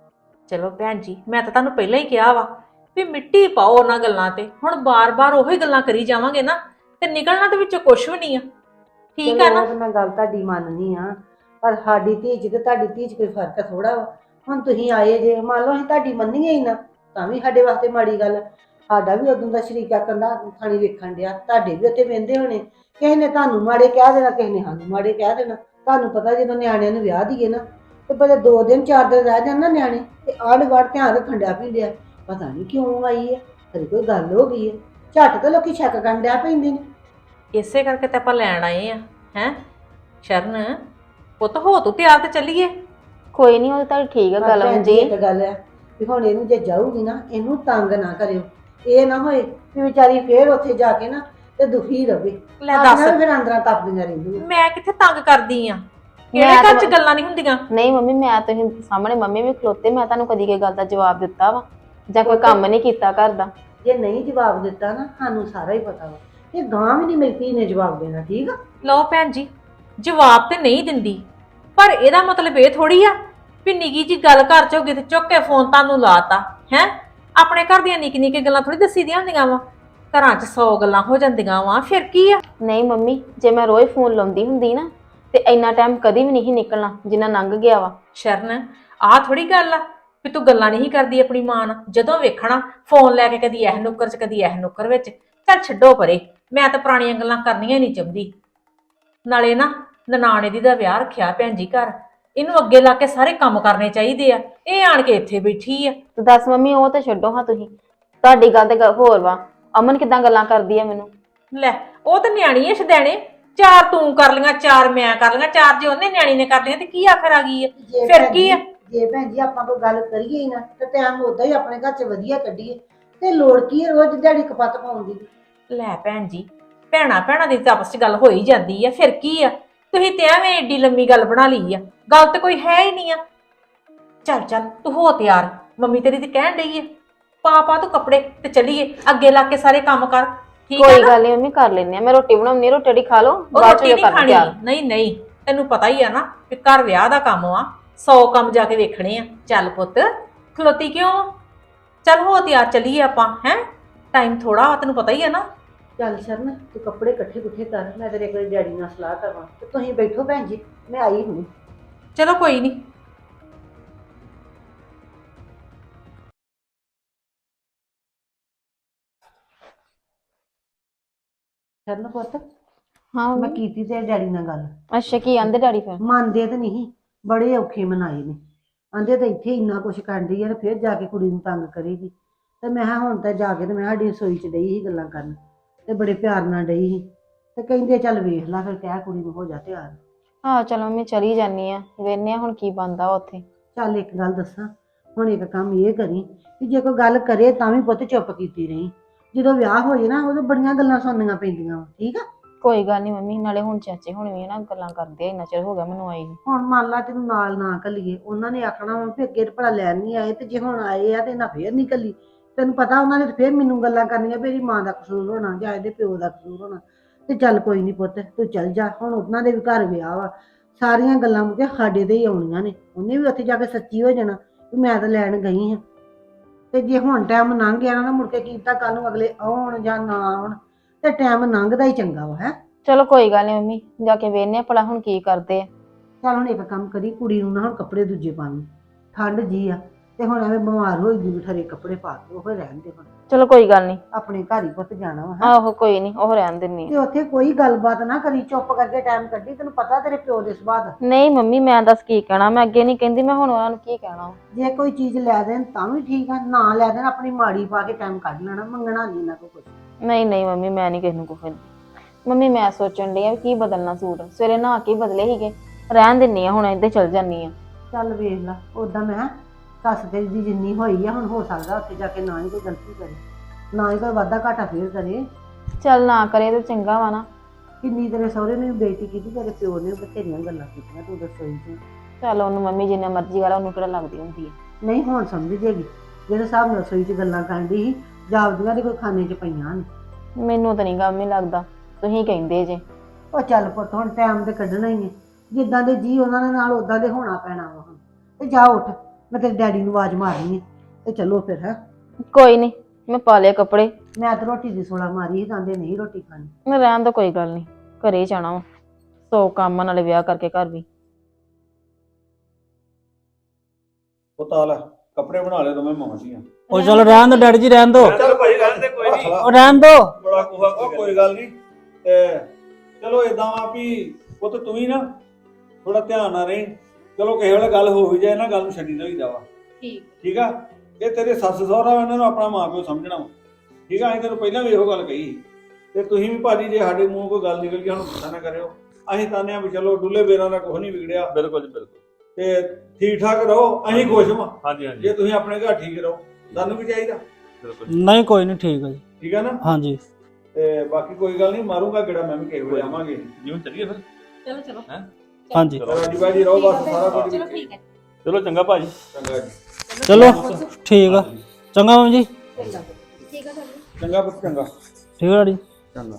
Speaker 4: ਚਲੋ ਭੈਣ ਜੀ, ਮੈਂ ਤਾਂ ਤੁਹਾਨੂੰ ਪਹਿਲਾਂ ਹੀ ਕਿਹਾ ਵਾ ਵੀ ਮਿੱਟੀ ਪਾਓ ਉਹਨਾਂ ਗੱਲਾਂ ਤੇ। ਹੁਣ ਬਾਰ-ਬਾਰ ਉਹੀ ਗੱਲਾਂ ਕਰੀ ਜਾਵਾਂਗੇ ਨਾ ਤੇ ਨਿਕਲਣਾ ਤੇ ਵਿੱਚੋਂ ਕੁਝ ਵੀ ਨਹੀਂ ਆ। ਠੀਕ ਆ
Speaker 7: ਚਲੋ
Speaker 4: ਨਾ?
Speaker 7: ਉਹ ਤਾਂ ਮੈਂ ਗੱਲ ਤੁਹਾਡੀ ਮੰਨਦੀ ਆ, ਪਰ ਸਾਡੀ ਧੀ 'ਚ ਤੇ ਤੁਹਾਡੀ ਧੀ 'ਚ ਕੋਈ ਫਰਕ ਥੋੜਾ ਵਾ। ਹੁਣ ਤੁਸੀਂ ਆਏ ਜੇ, ਮੰਨ ਲਓ ਅਸੀਂ ਤੁਹਾਡੀ ਮੰਨੀਏ ਹੀ ਨਾ ਤਾਂ ਵੀ ਸਾਡੇ ਵਾਸਤੇ ਮਾੜੀ ਗੱਲ। ਸਾਡਾ ਵੀ ਉਦੋਂ ਦਾ ਸ਼ਰੀਕਾ ਕੰਦਾ ਥਾਣੀ ਵੇਖਣ ਡਿਆ, ਤੁਹਾਡੇ ਵੀ ਉੱਥੇ ਵਹਿੰਦੇ ਹੋਣੇ। ਕਿਸੇ ਨੇ ਤੁਹਾਨੂੰ ਮਾੜੇ ਕਹਿ ਦੇਣਾ, ਕਿਸੇ ਨੇ ਸਾਨੂੰ ਮਾੜੇ ਕਹਿ ਦੇਣਾ। ਤੁਹਾਨੂੰ ਪਤਾ ਜਦੋਂ ਨਿਆਣਿਆਂ ਨੂੰ ਵਿਆਹ ਦੀਏ ਨਾ ਤੇ ਪਹਿਲੇ 2 ਦਿਨ 4 ਦਿਨ ਰਹਿ ਜਾਣ ਨਾ ਨਿਆਣੇ ਤੇ ਆਂਢ ਗੁਆਂਢ ਧਿਆਨ ਰੱਖਣ ਡਿਆ ਪੈਂਦੇ ਆ। ਪਤਾ ਨਹੀਂ ਕਿਉਂ ਆਈ ਹੈ, ਕਦੇ ਕੋਈ ਗੱਲ ਹੋ ਗਈ ਹੈ, ਝੱਟ ਤਾਂ ਲੋਕੀ ਸ਼ੱਕ ਕਰਨ ਡਿਆ ਪੈਂਦੇ ਨੇ।
Speaker 4: ਇਸੇ ਕਰਕੇ ਤਾਂ ਆਪਾਂ ਲੈਣ ਆਏ ਆ ਹੈ। ਸ਼ਰਨ ਪੁੱਤ ਹੋ ਤੂੰ ਤਿਆਰ ਤੇ ਚੱਲੀਏ।
Speaker 8: ਕੋਈ ਨਹੀਂ, ਉਹ ਤਾਂ ਠੀਕ ਆ ਗੱਲ
Speaker 7: ਭੈਣ ਜੀ
Speaker 8: ਜੀ।
Speaker 7: ਇੱਕ ਗੱਲ ਹੈ ਵੀ ਹੁਣ ਇਹਨੂੰ ਜੇ ਜਾਊਗੀ ਨਾ, ਇਹਨੂੰ ਤੰਗ ਨਾ ਕਰਿਓ। ਇਹ ਨਾ ਹੋਏ ਵੀ ਵਿਚਾਰੀ ਫੇਰ ਉੱਥੇ ਜਾ ਕੇ ਨਾ ਤੇ ਦੁਖੀ ਰਵੇ।
Speaker 4: ਲੈ ਦੱਸ,
Speaker 7: ਫਿਰ ਅੰਦਰਾਂ ਤਪਦੀਆਂ ਰਹਿੰਦੀਆਂ।
Speaker 4: ਮੈਂ ਕਿੱਥੇ ਤੰਗ ਕਰਦੀ ਆ? ਕਿਹੜੇ
Speaker 8: ਮੈਂ
Speaker 4: ਘਰ 'ਚ
Speaker 8: ਤਾਂ-
Speaker 4: ਗੱਲਾਂ ਨਹੀਂ ਹੁੰਦੀਆਂ?
Speaker 8: ਨਹੀਂ ਮੰਮੀ, ਮੈਂ ਤੁਸੀਂ ਸਾਹਮਣੇ ਮੰਮੀ ਵੀ ਖਲੋਤੇ, ਮੈਂ ਤੁਹਾਨੂੰ ਕਦੀ ਕੋਈ ਗੱਲ ਦਾ ਜਵਾਬ ਦਿੱਤਾ ਵਾ ਜਾਂ ਕੋਈ ਕੰਮ ਨਹੀਂ ਕੀਤਾ ਘਰ ਦਾ?
Speaker 7: ਜੇ ਨਹੀਂ ਜਵਾਬ ਦਿੱਤਾ ਨਾ, ਸਾਨੂੰ ਸਾਰਾ ਹੀ ਪਤਾ ਵਾ। ਇਹ ਗਾਂ ਵੀ ਨਹੀਂ ਮੇਰੀ ਧੀ ਨੇ ਜਵਾਬ ਦੇਣਾ, ਠੀਕ ਆ?
Speaker 4: ਲਓ ਭੈਣ ਜੀ, ਜਵਾਬ ਤੇ ਨਹੀਂ ਦਿੰਦੀ, ਪਰ ਇਹਦਾ ਮਤਲਬ ਇਹ ਥੋੜੀ ਆ ਵੀ ਨਿੱਕੀ ਜੀ ਗੱਲ ਘਰ 'ਚ ਹੋ ਗਈ ਤੇ ਚੁੱਕ ਕੇ ਫੋਨ ਤੁਹਾਨੂੰ ਲਾਤਾ ਹੈ। ਆਪਣੇ ਘਰ ਦੀਆਂ ਨਿੱਕੀ ਗੱਲਾਂ ਥੋੜੀ ਦੱਸੀ ਦੀਆਂ ਹੁੰਦੀਆਂ ਵਾ, ਘਰਾਂ 'ਚ 100 ਗੱਲਾਂ ਹੋ ਜਾਂਦੀਆਂ ਵਾ, ਫਿਰ ਕੀ ਆ?
Speaker 8: ਨਹੀਂ ਮੰਮੀ, ਜੇ ਮੈਂ ਰੋਜ਼ ਫੋਨ ਲਾਉਂਦੀ ਹੁੰਦੀ ਨਾ ਤੇ ਇੰਨਾ ਟਾਈਮ ਕਦੀ ਵੀ ਨਹੀਂ ਨਿਕਲਣਾ ਜਿੰਨਾ ਲੰਘ ਗਿਆ ਵਾ।
Speaker 4: ਸ਼ਰਨ, ਆਹ ਥੋੜੀ ਗੱਲ ਆ ਵੀ ਤੂੰ ਗੱਲਾਂ ਨਹੀਂ ਕਰਦੀ ਆਪਣੀ ਮਾਂ ਨਾਲ। ਜਦੋਂ ਵੇਖਣਾ ਫੋਨ ਲੈ ਕੇ ਕਦੀ ਇਹ ਨੁੱਕਰ 'ਚ ਕਦੀ ਇਹ ਨੁੱਕਰ ਵਿੱਚ, ਚੱਲ ਛੱਡੋ ਪਰੇ, ਮੈਂ ਤਾਂ ਪੁਰਾਣੀਆਂ ਗੱਲਾਂ ਕਰਨੀਆਂ ਹੀ ਨਹੀਂ ਚਾਹੁੰਦੀ। ਨਾਲੇ ਨਾ ਨਨਾਣੇ ਦੀ ਦਾ ਵਿਆਹ ਰੱਖਿਆ ਭੈਣ ਜੀ ਘਰ, ਇਹਨੂੰ ਅੱਗੇ ਲਾ ਕੇ ਸਾਰੇ ਕੰਮ ਕਰਨੇ ਚਾਹੀਦੇ ਆ। ਇਹ ਆਣ ਕੇ ਇੱਥੇ ਬੈਠੀ ਆ।
Speaker 8: ਤੇ ਦੱਸ ਮੰਮੀ, ਉਹ ਤੇ ਛੱਡੋ ਹਾਂ ਤੁਸੀਂ, ਤੁਹਾਡੀ ਗੱਲ ਤੇ ਹੋਰ ਵਾ। ਅਮਨ ਕਿਦਾਂ ਗੱਲਾਂ ਕਰਦੀ ਆ ਮੈਨੂੰ।
Speaker 4: ਲੈ ਉਹ ਤਾਂ ਨਿਆਣੀ ਐ ਸ਼ਦੈਣੇ, ਚਾਰ ਤੂੰ ਕਰ ਲੀਆਂ, ਚਾਰ ਮੈਂ ਕਰ ਲੀਆਂ, ਚਾਰ ਜੇ ਉਹਨੇ ਨਿਆਣੀ ਨੇ ਕਰ ਲੀਆਂ ਤੇ ਕੀ ਆਖਰ ਆ ਗਈ ਆ।
Speaker 7: ਜੇ
Speaker 4: ਫਿਰ
Speaker 7: ਭੈਣ
Speaker 4: ਕੀ ਆ?
Speaker 7: ਜੇ ਭੈਣ ਜੀ ਆਪਾਂ ਕੋਈ ਗੱਲ ਕਰੀਏ ਹੀ ਨਾ ਤੇ ਟਾਈਮ ਉਦਾਂ ਹੀ ਆਪਣੇ ਘਰ 'ਚ ਵਧੀਆ ਕੱਢੀਏ, ਤੇ ਲੋੜ ਕੀ ਹੈ ਰੋਜ਼ ਦਿਹਾੜੀ ਕਪੱਤ ਪਾਉਣ ਦੀ।
Speaker 4: ਲੈ ਭੈਣ ਜੀ, ਭੈਣਾ ਭੈਣਾ ਦੀ ਤਾਂ ਆਪਸ ਚ ਗੱਲ ਹੋ ਹੀ ਜਾਂਦੀ ਆ, ਫਿਰ ਕੀ ਆ। ਤੁਸੀਂ ਤੇ ਐਵੇਂ ਏਡੀ ਲੰਮੀ ਗੱਲ ਬਣਾ ਲਈ ਆ, ਗੱਲ ਤੇ ਕੋਈ ਹੈ ਹੀ ਨਹੀਂ ਆ। ਚੱਲ ਚੱਲ ਤੂੰ ਹੋ ਤਿਆਰ, ਮੰਮੀ ਤੇਰੀ ਤੇ ਕਹਿਣ ਡਈ ਆ, ਪਾ ਤੂੰ ਕੱਪੜੇ ਤੇ ਚੱਲੀਏ, ਅੱਗੇ ਲਾ ਕੇ ਸਾਰੇ ਕੰਮ ਕਰ। ਠੀਕ ਹੈ
Speaker 8: ਕੋਈ
Speaker 4: ਨਾ?
Speaker 8: ਗੱਲ ਨਹੀਂ ਮੰਮੀ, ਕਰ ਲੈਨੇ ਆ। ਮੈਂ ਰੋਟੀ ਬਣਾਉਣੀ, ਰੋਟੀ ਟੀ ਖਾ ਲਓ,
Speaker 4: ਉਹ
Speaker 8: ਬਾਅਦ
Speaker 4: ਰੋਟੀ
Speaker 8: ਚ
Speaker 4: ਨਹੀਂ
Speaker 8: ਕਰ
Speaker 4: ਖਾਣੀ,
Speaker 8: ਤਿਆਰ।
Speaker 4: ਨਹੀਂ ਤੈਨੂੰ ਪਤਾ ਹੀ ਆ ਨਾ ਕਿ ਘਰ ਵਿਆਹ ਦਾ ਕੰਮ ਆ, 100 ਕੰਮ ਜਾ ਕੇ ਵੇਖਣੇ ਆ। ਚੱਲ ਪੁੱਤ, ਖਲੋਤੀ ਕਿਉਂ ਆ? ਚੱਲ ਹੋ ਤਿਆਰ, ਚੱਲੀਏ ਆਪਾਂ। ਹੈ ਟਾਈਮ ਥੋੜਾ, ਤੈਨੂੰ ਪਤਾ ਹੀ ਆ ਨਾ।
Speaker 7: ਚੱਲ ਸ਼ਰਨ, ਤੂੰ ਕੱਪੜੇ ਇਕੱਠੇ ਕੁੱਠੇ ਕਰ, ਮੈਂ ਤੇਰੇ ਕੋਲ ਡੈਡੀ ਨਾਲ ਸਲਾਹ ਕਰਾਂ ਤੇ ਤੁਸੀਂ ਬੈਠੋ ਭੈਣ ਜੀ, ਮੈਂ ਆਈ ਹੁਣੀ।
Speaker 4: ਚਲੋ ਕੋਈ ਨਹੀਂ।
Speaker 7: ਸ਼ਰਨ ਪੁੱਤ,
Speaker 8: ਹਾਂ
Speaker 7: ਮੈਂ
Speaker 8: ਮੰਮੀ।
Speaker 7: ਕੀਤੀ ਤੇ ਡੈਡੀ ਨਾਲ ਗੱਲ,
Speaker 8: ਅੱਛਾ, ਕੀ ਆਂਦੇ ਡੈਡੀ ਫਿਰ?
Speaker 7: ਮੰਨਦੇ ਤੇ ਨਹੀਂ, ਬੜੇ ਔਖੇ ਮਨਾਏ ਨੇ। ਆਂਦੇ ਤਾਂ ਇੱਥੇ ਇੰਨਾ ਕੁਛ ਕਰਦੀ ਆ ਤੇ ਫਿਰ ਜਾ ਕੇ ਕੁੜੀ ਨੂੰ ਤੰਗ ਕਰੇਗੀ। ਤੇ ਮੈਂ ਕਿਹਾ ਹੁਣ ਤਾਂ ਜਾ ਕੇ ਤੇ ਮੈਂ ਸਾਡੀ ਰਸੋਈ 'ਚ ਡਈ ਸੀ ਗੱਲਾਂ ਕਰਨ, ਤੇ ਬੜੇ ਪਿਆਰ ਨਾਲ ਡਈ ਸੀ। ਤੇ ਕਹਿੰਦੇ ਚੱਲ ਵੇਖ ਲੈ, ਫਿਰ ਕਹਿ ਕੁੜੀ ਨੂੰ ਹੋ ਜਾ ਤਿਆਰ।
Speaker 8: ਹਾਂ ਚਲੋ ਮੰਮੀ, ਚਲੀ ਜਾਨੀ ਆ, ਵੇਖਨੇ ਆ ਹੁਣ ਕੀ ਬਣਦਾ ਉੱਥੇ।
Speaker 7: ਚੱਲ ਇੱਕ ਗੱਲ ਦੱਸਾਂ, ਹੁਣ ਇੱਕ ਕੰਮ ਇਹ ਕਰੀ ਕਿ ਜੇ ਕੋਈ ਗੱਲ ਕਰੇ ਤਾਂ ਵੀ ਪੁੱਤ ਚੁੱਪ ਕੀਤੀ ਰਹੀ। ਜਦੋਂ ਵਿਆਹ ਹੋ ਜਾਏ ਨਾ, ਉਦੋਂ ਬੜੀਆਂ ਗੱਲਾਂ ਸੁਣਨੀਆਂ ਪੈਂਦੀਆਂ ਵਾ, ਠੀਕ ਆ।
Speaker 8: ਕੋਈ ਗੱਲ ਨਹੀਂ ਮੰਮੀ, ਨਾਲੇ ਹੁਣ ਚਾਚੇ ਹੁਣ ਵੀ ਨਾ ਗੱਲਾਂ ਕਰਦੇ ਆ, ਇੰਨਾ ਚਿਰ ਹੋ ਗਿਆ ਮੈਨੂੰ ਆਈ ਨੂੰ।
Speaker 7: ਹੁਣ ਮੰਨ ਲਾ ਤੈਨੂੰ ਨਾਲ ਨਾ ਘੱਲੀਏ, ਉਹਨਾਂ ਨੇ ਆਖਣਾ ਵਾ ਵੀ ਅੱਗੇ ਤਾਂ ਭਲਾ ਲੈਣ ਨਹੀਂ ਆਏ, ਤੇ ਜੇ ਹੁਣ ਆਏ ਆ ਤੇ ਇਹਨਾਂ ਫੇਰ ਨਹੀਂ ਘੱਲੀ। ਤੈਨੂੰ ਪਤਾ ਉਹਨਾਂ ਨੇ ਫੇਰ ਮੈਨੂੰ ਗੱਲਾਂ ਕਰਨੀਆਂ ਵੀ ਇਹਦੀ ਮਾਂ ਦਾ ਕਸੂਰ ਹੋਣਾ ਜਾਂ ਇਹਦੇ ਪਿਓ ਦਾ ਕਸੂਰ ਹੋਣਾ। ਤੇ ਚੱਲ ਕੋਈ ਨਹੀਂ ਪੁੱਤ, ਤੂੰ ਚੱਲ ਜਾ, ਹੁਣ ਉਹਨਾਂ ਦੇ ਵੀ ਘਰ ਵਿਆਹ ਵਾ, ਸਾਰੀਆਂ ਗੱਲਾਂ ਮੁੱਕੇ ਸਾਡੇ ਤੇ ਹੀ ਆਉਣੀਆਂ ਨੇ। ਉਹਨੇ ਵੀ ਉੱਥੇ ਜਾ ਕੇ ਸੱਚੀ ਹੋ ਜਾਣਾ ਵੀ ਮੈਂ ਤਾਂ ਲੈਣ ਗਈ ਹਾਂ। ਤੇ ਜੇ ਹੁਣ ਟਾਈਮ ਲੰਘ ਗਿਆ ਨਾ, ਮੁੜ ਕੇ ਕੀ ਪਤਾ ਕੱਲ ਨੂੰ ਅਗਲੇ ਆਉਣ ਜਾਂ ਨਾ ਆਉਣ, ਤੇ ਟਾਈਮ ਲੰਘਦਾ ਹੀ ਚੰਗਾ ਵਾ। ਹੈ
Speaker 8: ਚਲੋ ਕੋਈ ਗੱਲ ਨਹੀਂ ਮੰਮੀ, ਜਾ ਕੇ ਵੇਖਨੇ ਆ ਭਲਾ ਹੁਣ ਕੀ ਕਰਦੇ ਆ।
Speaker 7: ਚੱਲ ਹੁਣ ਇੱਕ ਕੰਮ ਕਰੀ, ਕੁੜੀ ਨੂੰ ਨਾ ਹੁਣ ਕੱਪੜੇ ਦੂਜੇ ਪਾਣੀ, ਠੰਡ ਜੀ ਆ, ਤੇ ਹੁਣ ਐਵੇਂ ਬਿਮਾਰ ਹੋਈ ਦੀ ਠਰੇ ਕੱਪੜੇ ਪਾ ਕੇ ਉਹ ਰਹਿਣ ਦੇ। ਹੁਣ
Speaker 8: ਚਲੋ ਕੋਈ ਗੱਲ ਨਹੀਂ,
Speaker 7: ਆਪਣੇ ਘਰ ਹੀ ਪੁੱਤ ਜਾਣਾ ਵਾ। ਹੈਂ।
Speaker 8: ਆਹੋ ਕੋਈ ਨਹੀਂ, ਉਹ ਰਹਿਣ ਦਿੰਨੀ
Speaker 7: ਤੇ
Speaker 8: ਆ।
Speaker 7: ਉੱਥੇ ਕੋਈ ਗੱਲਬਾਤ ਨਾ ਕਰੀ, ਚੁੱਪ ਕਰਕੇ ਟਾਈਮ ਕੱਢੀ, ਤੈਨੂੰ ਪਤਾ ਤੇਰੇ ਪਿਓ ਦੇ ਸੁਭਾਅ ਦਾ।
Speaker 8: ਨਹੀਂ ਮੰਮੀ, ਮੈਂ ਦੱਸ ਕੀ ਕਹਿਣਾ, ਮੈਂ ਅੱਗੇ ਨਹੀਂ ਕਹਿੰਦੀ, ਮੈਂ ਹੁਣ ਉਹਨਾਂ ਨੂੰ ਕੀ ਕਹਿਣਾ।
Speaker 7: ਜੇ ਕੋਈ ਚੀਜ਼ ਲੈ ਦੇਣ ਤਾਂ ਵੀ ਠੀਕ ਆ, ਨਾ ਲੈ ਦੇਣ ਆਪਣੀ ਮਾੜੀ ਪਾ ਕੇ ਟਾਈਮ ਕੱਢ ਲੈਣਾ, ਮੰਗਣਾ ਨਹੀਂ ਇਹਨਾਂ ਕੋਲ ਕੁਛ।
Speaker 8: ਨਹੀਂ ਮੰਮੀ, ਮੈਂ ਨਹੀਂ ਕਿਸੇ ਨੂੰ ਕੁਝ ਕਹਿੰਦੀ। ਮੰਮੀ ਮੈਂ ਸੋਚਣ ਡਈ ਆ ਵੀ ਕੀ ਬਦਲਣਾ ਸੂਟ, ਸਵੇਰੇ ਨਹਾ ਕੇ ਬਦਲੇ ਸੀਗੇ, ਰਹਿਣ ਦਿੰਨੀ ਆ, ਹੁਣ ਇੱਦਾਂ ਚੱਲ ਜਾਨੀ ਆ।
Speaker 7: ਚੱਲ ਵੇਖ ਲਾ, ਉਦਾਂ ਮੈਂ ਸੱਸ ਤੇਰੀ ਦੀ ਜਿੰਨੀ ਹੋਈ ਆ, ਹੁਣ ਹੋ ਸਕਦਾ ਉੱਥੇ ਜਾ ਕੇ ਨਾ ਹੀ ਕੋਈ ਗਲਤੀ ਕਰੇ, ਨਾ ਹੀ ਕੋਈ ਵਾਧਾ ਘਾਟਾ ਫੇਰ ਕਰੇ।
Speaker 8: ਚੱਲ ਨਾ ਕਰੇ ਤੇ ਚੰਗਾ ਵਾ ਨਾ।
Speaker 7: ਕਿੰਨੀ ਤੇਰੇ ਸਹੁਰੇ ਨੇ ਵੀ ਬੇਇੱਜ਼ਤੀ ਕੀਤੀ, ਤੇਰੇ ਪਿਓ ਨੇ ਵੀ ਬਥੇਰੀਆਂ ਗੱਲਾਂ ਕੀਤੀਆਂ, ਤੂੰ ਦੱਸੋ ਜੀ।
Speaker 8: ਚੱਲ ਉਹਨੂੰ ਮੰਮੀ ਜਿੰਨਾ ਮਰਜ਼ੀ ਗੱਲ, ਉਹਨੂੰ ਕਿਹੜਾ ਲੱਗਦੀ ਹੁੰਦੀ ਹੈ।
Speaker 7: ਨਹੀਂ ਹੁਣ ਸਮਝ ਜੇਗੀ, ਜਿਹੜੇ ਹਿਸਾਬ ਨਾਲ ਰਸੋਈ 'ਚ ਗੱਲਾਂ ਕਰਨ ਦੀ ਸੀ, ਜਾਪਦੀਆਂ ਦੇ ਕੋਈ ਖਾਨੇ 'ਚ ਪਈਆਂ ਨੇ।
Speaker 8: ਮੈਨੂੰ ਤਾਂ ਨਹੀਂ ਕੰਮ ਹੀ ਲੱਗਦਾ, ਤੁਸੀਂ ਕਹਿੰਦੇ ਜੇ।
Speaker 7: ਉਹ ਚੱਲ ਪੁੱਤ, ਹੁਣ ਟਾਈਮ ਤੇ ਕੱਢਣਾ ਹੀ ਹੈ, ਜਿੱਦਾਂ ਦੇ ਜੀ ਉਹਨਾਂ ਦੇ ਨਾਲ ਉਦਾਂ ਦੇ ਹੋਣਾ ਪੈਣਾ ਵਾ। ਹੁਣ ਤੇ ਜਾ ਉੱਠ, ਮੈਂ ਤੇਰੇ ਡੈਡੀ ਨੂੰ ਆਵਾਜ਼ ਮਾਰਨੀ ਹੈ, ਤੇ ਚਲੋ ਫਿਰ। ਹੈ
Speaker 8: ਕੋਈ ਨਹੀਂ, ਮੈਂ ਪਾ ਲਿਆ ਕੱਪੜੇ।
Speaker 7: ਮੈਂ ਤਾਂ ਰੋਟੀ ਦੀ ਸੋਲਾ ਮਾਰੀ ਸੀ, ਕਹਿੰਦੇ ਨਹੀਂ ਰੋਟੀ ਖਾਣੀ।
Speaker 8: ਮੈਂ ਰਹਿਣ ਦਾ, ਕੋਈ ਗੱਲ ਨਹੀਂ, ਘਰੇ ਹੀ ਜਾਣਾ ਵਾ, 100 ਕੰਮ ਨਾਲੇ ਵਿਆਹ ਕਰਕੇ ਘਰ ਵੀ।
Speaker 9: ਉਹ ਤਾਲ ਕੱਪੜੇ ਬਣਾ ਲੈ ਦੋਵੇਂ ਮਾਂ ਦੀਆਂ।
Speaker 2: ਉਹ ਚਲ ਰਹਿਣ ਦੋ ਡੈਡੀ ਜੀ, ਰਹਿਣ ਦੋ,
Speaker 9: ਚੱਲ ਭਾਈ ਰਹਿਣ ਦੇ, ਕੋਈ ਨਹੀਂ,
Speaker 2: ਉਹ ਰਹਿਣ ਦੋ।
Speaker 9: ਬੜਾ ਕੋਹਾ ਕੋਈ ਗੱਲ ਨਹੀਂ। ਤੇ ਚਲੋ ਇਦਾਂ ਵਾ ਵੀ ਪੁੱਤ ਤੂੰ ਵੀ ਨਾ ਥੋੜਾ ਧਿਆਨ ਨਾਲ ਰਹੀ। ਚਲੋ ਕਿਸੇ ਵੇਲੇ ਗੱਲ ਹੋ ਵੀ ਜਾਏ ਨਾ, ਗੱਲ ਨੂੰ ਛੱਡੀ ਨਾ ਹੋਈ ਜਾਵਾ। ਠੀਕ ਆ, ਇਹ ਤੇਰੇ ਸੱਸ ਸਹੁਰਾ ਇਹਨਾਂ ਨੂੰ ਆਪਣਾ ਮਾਂ ਪਿਓ ਸਮਝਣਾ ਵਾ। ਠੀਕ ਆ, ਅਸੀਂ ਤੈਨੂੰ ਪਹਿਲਾਂ ਵੀ ਇਹੋ ਗੱਲ ਕਹੀ। ਤੇ ਤੁਸੀਂ ਵੀ ਭਾਜੀ ਜੇ ਸਾਡੇ ਮੂੰਹ ਕੋਈ ਗੱਲ ਨਿਕਲ ਗਈ, ਸਾਨੂੰ ਗੁੱਸਾ ਨਾ ਕਰਿਓ। ਅਸੀਂ ਤਾਨੇ ਆ ਵੀ ਚਲੋ ਡੁੱਲੇ ਬੇਰਾਂ ਦਾ ਕੁਝ ਨਹੀਂ ਵਿਗੜਿਆ,
Speaker 3: ਬਿਲਕੁਲ ਜੀ ਬਿਲਕੁਲ।
Speaker 9: ਤੇ ਠੀਕ ਠਾਕ ਰਹੋ, ਅਸੀਂ ਖੁਸ਼ ਹਾਂ।
Speaker 3: ਹਾਂਜੀ ਹਾਂਜੀ
Speaker 9: ਜੇ ਤੁਸੀਂ ਆਪਣੇ ਘਰ ਠੀਕ ਰਹੋ, ਸਾਨੂੰ ਵੀ ਚਾਹੀਦਾ।
Speaker 3: ਬਿਲਕੁਲ
Speaker 2: ਨਹੀਂ ਕੋਈ ਨਹੀਂ, ਠੀਕ ਹੈ ਜੀ।
Speaker 9: ਠੀਕ ਆ ਨਾ?
Speaker 2: ਹਾਂਜੀ
Speaker 9: ਤੇ ਬਾਕੀ ਕੋਈ ਗੱਲ ਨਹੀਂ, ਮਾਰੂੰਗਾ ਗੇੜਾ ਮੈਂ ਵੀ ਕਿਸੇ ਵੇਲੇ ਆਵਾਂਗੇ।
Speaker 3: ਜਿਵੇਂ ਚੱਲੀਏ ਫਿਰ।
Speaker 4: ਚਲੋ
Speaker 2: ਹਾਂਜੀ
Speaker 9: ਰਾਜੀ ਬਾਜੀ ਰਹੋ, ਬਸ ਸਾਰਾ ਕੁਝ
Speaker 4: ਚਲੋ ਠੀਕ ਹੈ।
Speaker 3: ਚਲੋ ਚੰਗਾ ਭਾਜੀ।
Speaker 9: ਚੰਗਾ ਜੀ,
Speaker 2: ਚਲੋ ਠੀਕ ਆ, ਚੰਗਾ ਮੰਮੀ ਜੀ,
Speaker 9: ਚੰਗਾ ਪੁੱਤ, ਚੰਗਾ
Speaker 2: ਠੀਕ ਆ ਡੈਡੀ।
Speaker 9: ਚੰਗਾ।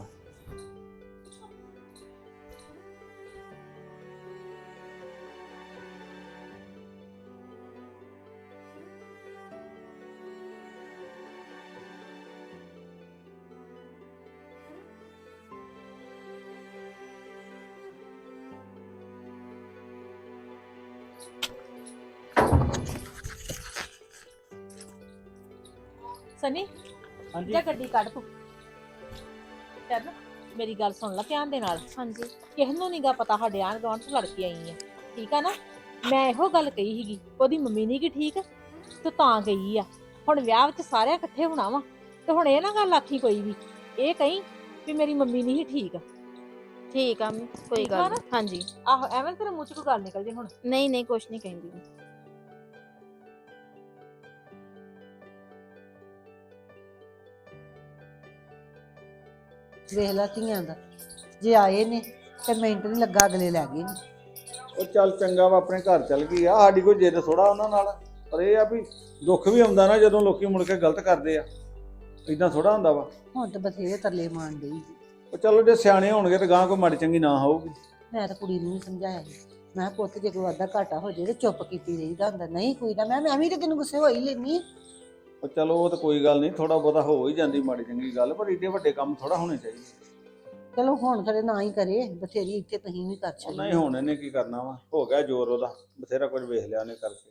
Speaker 4: ਸਨੀ
Speaker 2: ਹਾਂਜੀ
Speaker 4: ਜਾ ਗੱਡੀ ਕੱਢ ਤੂੰ। ਚੱਲ ਮੇਰੀ ਗੱਲ ਸੁਣ ਲੈ ਧਿਆਨ ਦੇ ਨਾਲ।
Speaker 8: ਹਾਂਜੀ
Speaker 4: ਕਿਸੇ ਨੂੰ ਨਹੀਂਗਾ ਪਤਾ ਸਾਡੇ ਆਂਢ ਗੁਆਂਢ ਚ ਲੜ ਕੇ ਆਈ ਆ, ਠੀਕ ਆ ਨਾ। ਮੈਂ ਇਹੋ ਗੱਲ ਕਹੀ ਸੀਗੀ, ਉਹਦੀ ਮੰਮੀ ਨੀ ਗੀ ਠੀਕ ਤੇ ਤਾਂ ਗਈ ਆ। ਹੁਣ ਵਿਆਹ ਵਿੱਚ ਸਾਰਿਆਂ ਇਕੱਠੇ ਹੋਣਾ ਵਾ, ਤੇ ਹੁਣ ਇਹ ਨਾ ਗੱਲ ਆਖੀ ਕੋਈ ਵੀ, ਇਹ ਕਹੀਂ ਵੀ ਮੇਰੀ ਮੰਮੀ ਨਹੀਂ ਠੀਕ।
Speaker 8: ਠੀਕ ਆ ਕੋਈ
Speaker 4: ਠੀਕ ਆ
Speaker 8: ਗੱਲ
Speaker 4: ਨਾ?
Speaker 8: ਨੀ। ਹਾਂਜੀ
Speaker 4: ਆਹੋ ਐਵੇਂ ਤੇਰੇ ਮੂੰਹ ਚ ਕੋਈ ਗੱਲ ਨਿਕਲ ਜੇ ਹੁਣ।
Speaker 8: ਨਹੀਂ ਨਹੀਂ ਕੁਛ ਨਹੀਂ ਕਹਿੰਦੀ ਮੈਂ।
Speaker 7: ਵੇਖ ਲੈ ਧੀਆਂ ਦਾ, ਜੇ ਆਏ ਨੇ ਤੇ ਮਿੰਟ ਨਹੀਂ ਲੱਗਾ ਅਗਲੇ ਲੈ ਗਏ ਨੇ।
Speaker 9: ਉਹ ਚੱਲ ਚੰਗਾ ਵਾ, ਆਪਣੇ ਘਰ ਚੱਲ ਗਈ ਆ, ਸਾਡੀ ਕੋਈ ਜਿੱਦ ਥੋੜਾ ਉਹਨਾਂ ਨਾਲ। ਪਰ ਇਹ ਆ ਵੀ ਦੁੱਖ ਵੀ ਆਉਂਦਾ ਨਾ ਜਦੋਂ ਲੋਕੀ ਮੁੜ ਕੇ ਗਲਤ ਕਰਦੇ ਆ, ਇਦਾਂ ਥੋੜਾ ਹੁੰਦਾ ਵਾ।
Speaker 7: ਹੁਣ ਤੇ ਬਥੇਰੇ ਤਰਲੇ ਮਾਰਨ ਡਈ ਸੀ।
Speaker 9: ਉਹ ਚਲੋ ਜੇ ਸਿਆਣੇ ਹੋਣਗੇ ਤੇ ਗਾਂ ਕੋਈ ਮਾੜੀ ਚੰਗੀ ਨਾ ਹੋਊਗੀ।
Speaker 7: ਮੈਂ ਤਾਂ ਕੁੜੀ ਨੂੰ ਵੀ ਸਮਝਾਇਆ ਸੀ, ਮੈਂ ਕਿਹਾ ਪੁੱਤ ਜੇ ਕੋਈ ਵਾਧਾ ਘਾਟਾ ਹੋ ਜੇ ਤੇ ਚੁੱਪ ਕੀਤੀ ਰਹੀਦਾ ਹੁੰਦਾ, ਨਹੀਂ ਕੋਈ ਨਾ ਮੈਂ ਵੀ ਤੇ ਤੈਨੂੰ ਗੁੱਸੇ ਹੋਈ ਲੈਣੀ।
Speaker 9: ਉਹ ਚਲੋ ਉਹ ਤਾਂ ਕੋਈ ਗੱਲ ਨਹੀਂ, ਥੋੜਾ ਬਹੁਤਾ ਹੋ ਹੀ ਜਾਂਦੀ ਮਾੜੀ ਚੰਗੀ ਗੱਲ, ਪਰ ਏਡੇ ਵੱਡੇ ਕੰਮ ਥੋੜਾ ਹੋਣੇ ਚਾਹੀਦੇ।
Speaker 7: ਚਲੋ ਹੁਣ ਖਰੇ ਨਾ ਹੀ ਕਰੇ, ਬਥੇਰੀ ਇੱਥੇ ਤੁਸੀਂ ਵੀ ਕਰ
Speaker 9: ਉਹ
Speaker 7: ਛੱਡੀ।
Speaker 9: ਨਹੀਂ ਹੁਣ ਇਹਨੇ ਕੀ ਕਰਨਾ ਵਾ, ਹੋ ਗਿਆ ਜ਼ੋਰ ਉਹਦਾ, ਬਥੇਰਾ ਕੁਝ ਵੇਖ ਲਿਆ ਉਹਨੇ ਕਰਕੇ।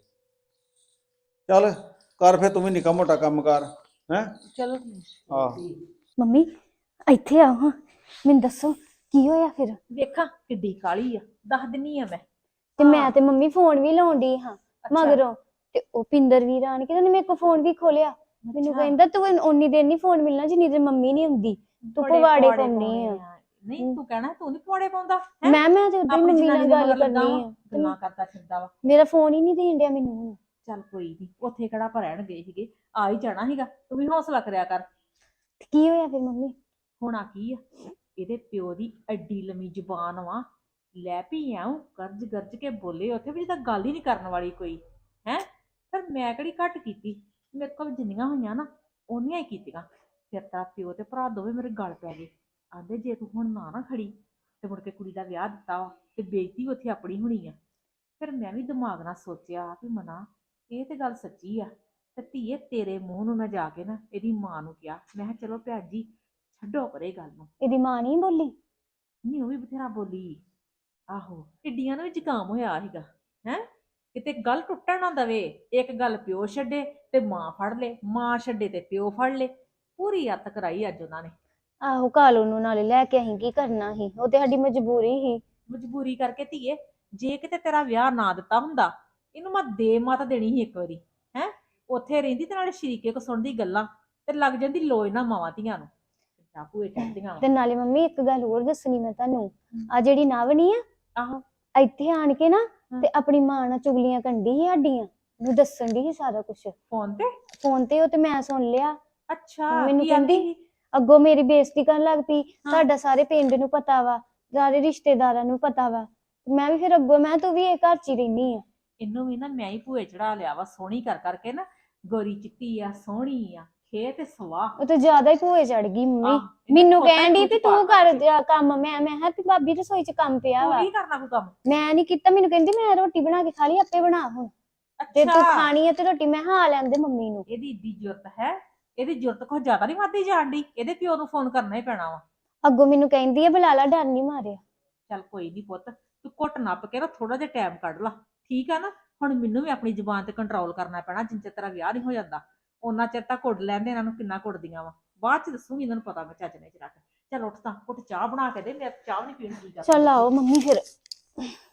Speaker 9: ਚੱਲ ਕਰ ਫਿਰ ਤੂੰ ਵੀ ਨਿੱਕਾ ਮੋਟਾ ਕੰਮ ਕਰ ਹੈ।
Speaker 7: ਚਲੋ
Speaker 9: ਆਹ
Speaker 1: ਮੰਮੀ ਇੱਥੇ ਆਓ ਹਾਂ, ਮੈਨੂੰ ਦੱਸੋ ਕੀ ਹੋਇਆ ਫਿਰ।
Speaker 4: ਵੇਖਾਂ ਕਿੱਡੀ ਕਾਲੀ ਆ, ਦੱਸ ਦਿੰਨੀ ਆ ਮੈਂ।
Speaker 1: ਤੇ ਮੈਂ ਤੇ ਮੰਮੀ ਫੋਨ ਵੀ ਲਾਉਣ ਡਈ ਹਾਂ ਮਗਰੋਂ, ਤੇ ਉਹ ਪਿੰਦਰ ਵੀਰ ਆਣ ਕੇ ਉਹਨੇ ਮੇਰੇ ਕੋਲ ਫੋਨ ਵੀ ਖੋਲਿਆ। ਮੈਨੂੰ ਕਹਿੰਦਾ ਤੂੰ ਓਨੀ ਦੇਰ ਨਹੀਂ ਫੋਨ ਮਿਲਣਾ ਜਿੰਨੀ ਦੇਰ ਮੰਮੀ ਨਹੀਂ ਹੁੰਦੀ, ਤੂੰ ਪਵਾੜੇ ਪਾਉਣੀ ਆ।
Speaker 4: ਨਹੀਂ ਤੂੰ ਕਹਿਣਾ ਤੂੰ ਨਹੀਂ ਪਵਾੜੇ ਪਾਉਂਦਾ ਹੈਂ?
Speaker 1: ਮੈਂ ਤੇ ਉਦੋਂ ਹੀ
Speaker 4: ਆਪਣੀ
Speaker 1: ਮੰਮੀ ਨਾਲ
Speaker 4: ਜਨਾਨੀ
Speaker 1: ਗੱਲ
Speaker 4: ਮਗਰ ਲੱਗਾ
Speaker 1: ਕਰਨੀ
Speaker 4: ਵਾ,
Speaker 1: ਆ,
Speaker 4: ਗੱਲਾਂ ਕਰਦਾ ਫਿਰਦਾ ਵਾ।
Speaker 1: ਮੇਰਾ ਫੋਨ ਹੀ ਨਹੀਂ ਦੇਣ ਡਿਆ ਮੈਨੂੰ ਹੁਣ।
Speaker 4: ਚੱਲ ਕੋਈ ਨਹੀਂ, ਉੱਥੇ ਕਿਹੜਾ ਆਪਾਂ ਰਹਿਣ ਗਏ ਸੀਗੇ, ਆ ਹੀ ਜਾਣਾ ਸੀਗਾ। ਤੂੰ ਵੀ ਹੌਸਲਾ ਕਰਿਆ ਕਰ।
Speaker 1: ਤੇ ਕੀ ਹੋਇਆ ਫਿਰ ਮੰਮੀ।
Speaker 4: ਹੋਣਾ ਕੀ ਆ, ਇਹਦੇ ਪਿਓ ਦੀ ਐਡੀ ਲੰਮੀ ਜ਼ੁਬਾਨ ਵਾ, ਲੈ ਪੀ ਆਉਂ ਗਰਜ ਗਰਜ ਕੇ ਬੋਲੇ ਉੱਥੇ ਵੀ ਜਿੱਦਾਂ ਗੱਲ ਹੀ ਨਹੀਂ ਕਰਨ ਵਾਲੀ ਕੋਈ ਹੈ। ਪਰ ਮੈਂ ਕਿਹੜੀ ਘੱਟ ਕੀਤੀ, ਮੇਰੇ ਕੋਲ ਜਿੰਨੀਆਂ ਹੋਈਆਂ ਨਾ ਉਹਨੀਆਂ ਹੀ ਕੀਤੀਆਂ। ਫਿਰ ਤਾਂ ਪਿਓ ਤੇ ਭਰਾ ਦੋਵੇਂ ਮੇਰੇ ਗਲ ਪੈ ਗਏ, ਆਂਦੇ ਜੇ ਤੂੰ ਹੁਣ ਨਾ ਖੜੀ ਤੇ ਮੁੜ ਕੇ ਕੁੜੀ ਦਾ ਵਿਆਹ ਦਿੱਤਾ ਵਾ ਤੇ ਬੇਇੱਜ਼ਤੀ ਉੱਥੇ ਆਪਣੀ ਹੋਣੀ ਆ। ਫਿਰ ਮੈਂ ਵੀ ਦਿਮਾਗ ਨਾਲ ਸੋਚਿਆ ਵੀ ਮਨਾ ਇਹ ਤੇ ਗੱਲ ਸੱਚੀ ਆ, ਤੇ ਧੀਏ ਤੇਰੇ ਮੂੰਹ ਨੂੰ ਮੈਂ ਜਾ ਕੇ ਨਾ ਇਹਦੀ ਮਾਂ ਨੂੰ ਕਿਹਾ, ਮੈਂ ਕਿਹਾ ਚਲੋ ਭੈਣ ਜੀ ਛੱਡੋ ਪਰੇ ਗੱਲ ਨੂੰ।
Speaker 1: ਇਹਦੀ ਮਾਂ ਨਹੀਂ ਬੋਲੀ।
Speaker 4: ਨਹੀਂ ਉਹ ਵੀ ਬਥੇਰਾ ਬੋਲੀ। ਆਹੋ ਟਿੱਡੀਆਂ ਨੂੰ ਵੀ ਜ਼ੁਕਾਮ ਹੋਇਆ ਸੀਗਾ ਹੈ, ਕਿਤੇ ਗੱਲ ਟੁੱਟਣ ਨਾ ਦਵੇ। ਇੱਕ ਗੱਲ ਪਿਓ ਛੱਡੇ ਤੇ ਮਾਂ ਫੜ ਲੇ, ਮਾਂ ਛੱਡੇ ਤੇ ਪਿਓ ਫੜ ਲੇ, ਪੂਰੀ ਅੱਤ ਕਰਾਈ ਅੱਜ ਉਹਨਾਂ ਨੇ।
Speaker 1: ਆਹੋ ਕਾਲੂ ਨੂੰ ਨਾਲੇ ਲੈ ਕੇ ਅਸੀਂ ਕੀ ਕਰਨਾ ਸੀ, ਉਹ ਤੇ ਸਾਡੀ ਮਜਬੂਰੀ ਸੀ।
Speaker 4: ਮਜਬੂਰੀ ਕਰਕੇ ਧੀਏ, ਜੇ ਕਿਤੇ ਤੇਰਾ ਵਿਆਹ ਨਾ ਦਿੱਤਾ ਹੁੰਦਾ ਇਹਨੂੰ ਮੈਂ ਦੇ ਮਤ ਦੇਣੀ ਸੀ ਇੱਕ ਵਾਰੀ ਹੈ। ਉੱਥੇ ਰਹਿੰਦੀ ਤੇ ਨਾਲੇ ਸ਼ਰੀਕੇ ਕੋ ਸੁਣਦੀ ਗੱਲਾਂ ਤੇ ਲੱਗ ਜਾਂਦੀ ਲੋਏ ਨਾ ਮਾਵਾਂ ਧੀਆਂ ਨੂੰ, ਭੂਏ ਚੜਦੀਆਂ ਵਾ।
Speaker 1: ਤੇ ਨਾਲੇ ਮੰਮੀ ਇੱਕ ਗੱਲ ਹੋਰ ਦੱਸਣੀ ਮੈਂ ਤੁਹਾਨੂੰ, ਆ ਜਿਹੜੀ ਨਵ ਨੀ ਆ,
Speaker 4: ਆਹੋ
Speaker 1: ਇੱਥੇ ਆਣ ਕੇ ਨਾ ਤੇ ਆਪਣੀ ਮਾਂ ਨਾਲ ਚੁਗਲੀਆਂ ਕੰਡੀ ਸੀ ਸਾਡੀਆਂ, ਉਹਨੂੰ ਦੱਸਣ ਦੀ ਸੀ ਸਾਰਾ ਕੁਝ
Speaker 4: ਫੋਨ ਤੇ।
Speaker 1: ਫੋਨ ਤੇ ਉਹ ਤੇ ਮੈਂ ਸੁਣ ਲਿਆ।
Speaker 4: ਅੱਛਾ
Speaker 1: ਮੈਨੂੰ
Speaker 4: ਕੀ ਆਂਦੀ
Speaker 1: ਕਹਿੰਦੀ
Speaker 4: ਸੀ?
Speaker 1: ਅੱਗੋਂ ਮੇਰੀ ਬੇਇੱਜ਼ਤੀ ਕਰਨ ਲੱਗ ਪਈ, ਤੁਹਾਡਾ ਸਾਰੇ ਪਿੰਡ ਨੂੰ ਪਤਾ ਵਾ, ਸਾਰੇ ਰਿਸ਼ਤੇਦਾਰਾਂ ਨੂੰ ਪਤਾ ਵਾ। ਮੈਂ ਵੀ ਫਿਰ ਅੱਗੋਂ ਮੈਂ ਤੂੰ ਵੀ ਇਹ ਘਰ ਚ ਹੀ ਰਹਿਨੀ ਆ।
Speaker 4: ਇਹਨੂੰ ਵੀ ਨਾ ਮੈਂ ਹੀ ਭੂਏ ਚੜਾ ਲਿਆ ਵਾ, ਸੋਹਣੀ ਕਰ ਕਰਕੇ ਨਾ, ਗੋਰੀ ਚਿੱਟੀ ਆ ਸੋਹਣੀ ਆ, ਖੇ ਤੇ ਸਵਾਹ।
Speaker 1: ਉਹ ਤੇ ਜ਼ਿਆਦਾ ਹੀ ਭੂਏ ਚੜ ਗਈ ਮੰਮੀ, ਮੈਨੂੰ ਕਹਿਣ ਡਈ ਵੀ ਤੂੰ ਕਰ ਜਾ ਕੰਮ। ਮੈਂ ਕਿਹਾ ਵੀ ਭਾਬੀ ਰਸੋਈ ਚ ਕੰਮ ਪਿਆ ਵਾ,
Speaker 4: ਕੀ ਕਰਨਾ ਕੋਈ ਕੰਮ।
Speaker 1: ਮੈਂ ਨਹੀਂ ਕੀਤਾ। ਮੈਨੂੰ ਕਹਿੰਦੀ ਮੈਂ ਰੋਟੀ ਬਣਾ ਕੇ ਖਾ ਲਈ, ਆਪੇ ਬਣਾ ਹੁਣ, ਤੇ ਤੂੰ ਖਾਣੀ ਹੈ ਤੇ ਰੋਟੀ। ਮੈਂ ਹਾਂ ਲੈਂਦੇ ਮੰਮੀ ਨੂੰ।
Speaker 4: ਇਹਦੀ ਇੱਡੀ ਜ਼ਰੂਰਤ ਹੈ, ਇਹਦੀ ਜ਼ਰੂਰਤ ਕੋਈ ਜ਼ਿਆਦਾ ਨਹੀਂ ਵੱਧਦੀ ਜਾਣ ਦੀ, ਇਹਦੇ ਪਿਓ ਨੂੰ ਫੋਨ ਕਰਨਾ ਹੀ ਪੈਣਾ ਵਾ।
Speaker 1: ਅੱਗੋਂ ਮੈਨੂੰ ਕਹਿੰਦੀ ਹੈ ਬੁਲਾ ਲਾ, ਡਰ ਨਹੀਂ ਮਾਰਿਆ।
Speaker 4: ਚੱਲ ਕੋਈ ਨਹੀਂ ਪੁੱਤ, ਤੂੰ ਘੁੱਟ ਨੱਪ ਕੇ ਨਾ ਥੋੜਾ ਜਿਹਾ ਟਾਈਮ ਕੱਢ ਲਾ, ਠੀਕ ਆ ਨਾ। ਹੁਣ ਮੈਨੂੰ ਵੀ ਆਪਣੀ ਜ਼ੁਬਾਨ ਤੇ ਕੰਟਰੋਲ ਕਰਨਾ ਪੈਣਾ, ਜਿੰਨ ਚਿਰ ਤੇਰਾ ਵਿਆਹ ਨਹੀਂ ਹੋ ਜਾਂਦਾ ਉਹਨਾਂ ਚਿਰ ਤਾਂ ਕੁੱਟ ਲੈਂਦੇ ਇਹਨਾਂ ਨੂੰ ਕਿੰਨਾ ਕੁੱਟਦੀਆਂ ਵਾ, ਬਾਅਦ ਚ ਦੱਸੂਗੀ ਇਹਨਾਂ ਨੂੰ ਪਤਾ ਮੈਂ ਚੱਜ ਨੇ ਚ ਰੱਖ। ਚੱਲ ਉੱਠ ਤਾਂ, ਘੁੱਟ ਚਾਹ ਬਣਾ ਕੇ ਦੇ, ਮੈਂ ਚਾਹ ਨਹੀਂ ਪੀਣੀ।
Speaker 1: ਚੱਲ ਆਓ ਮੰਮੀ ਫਿਰ।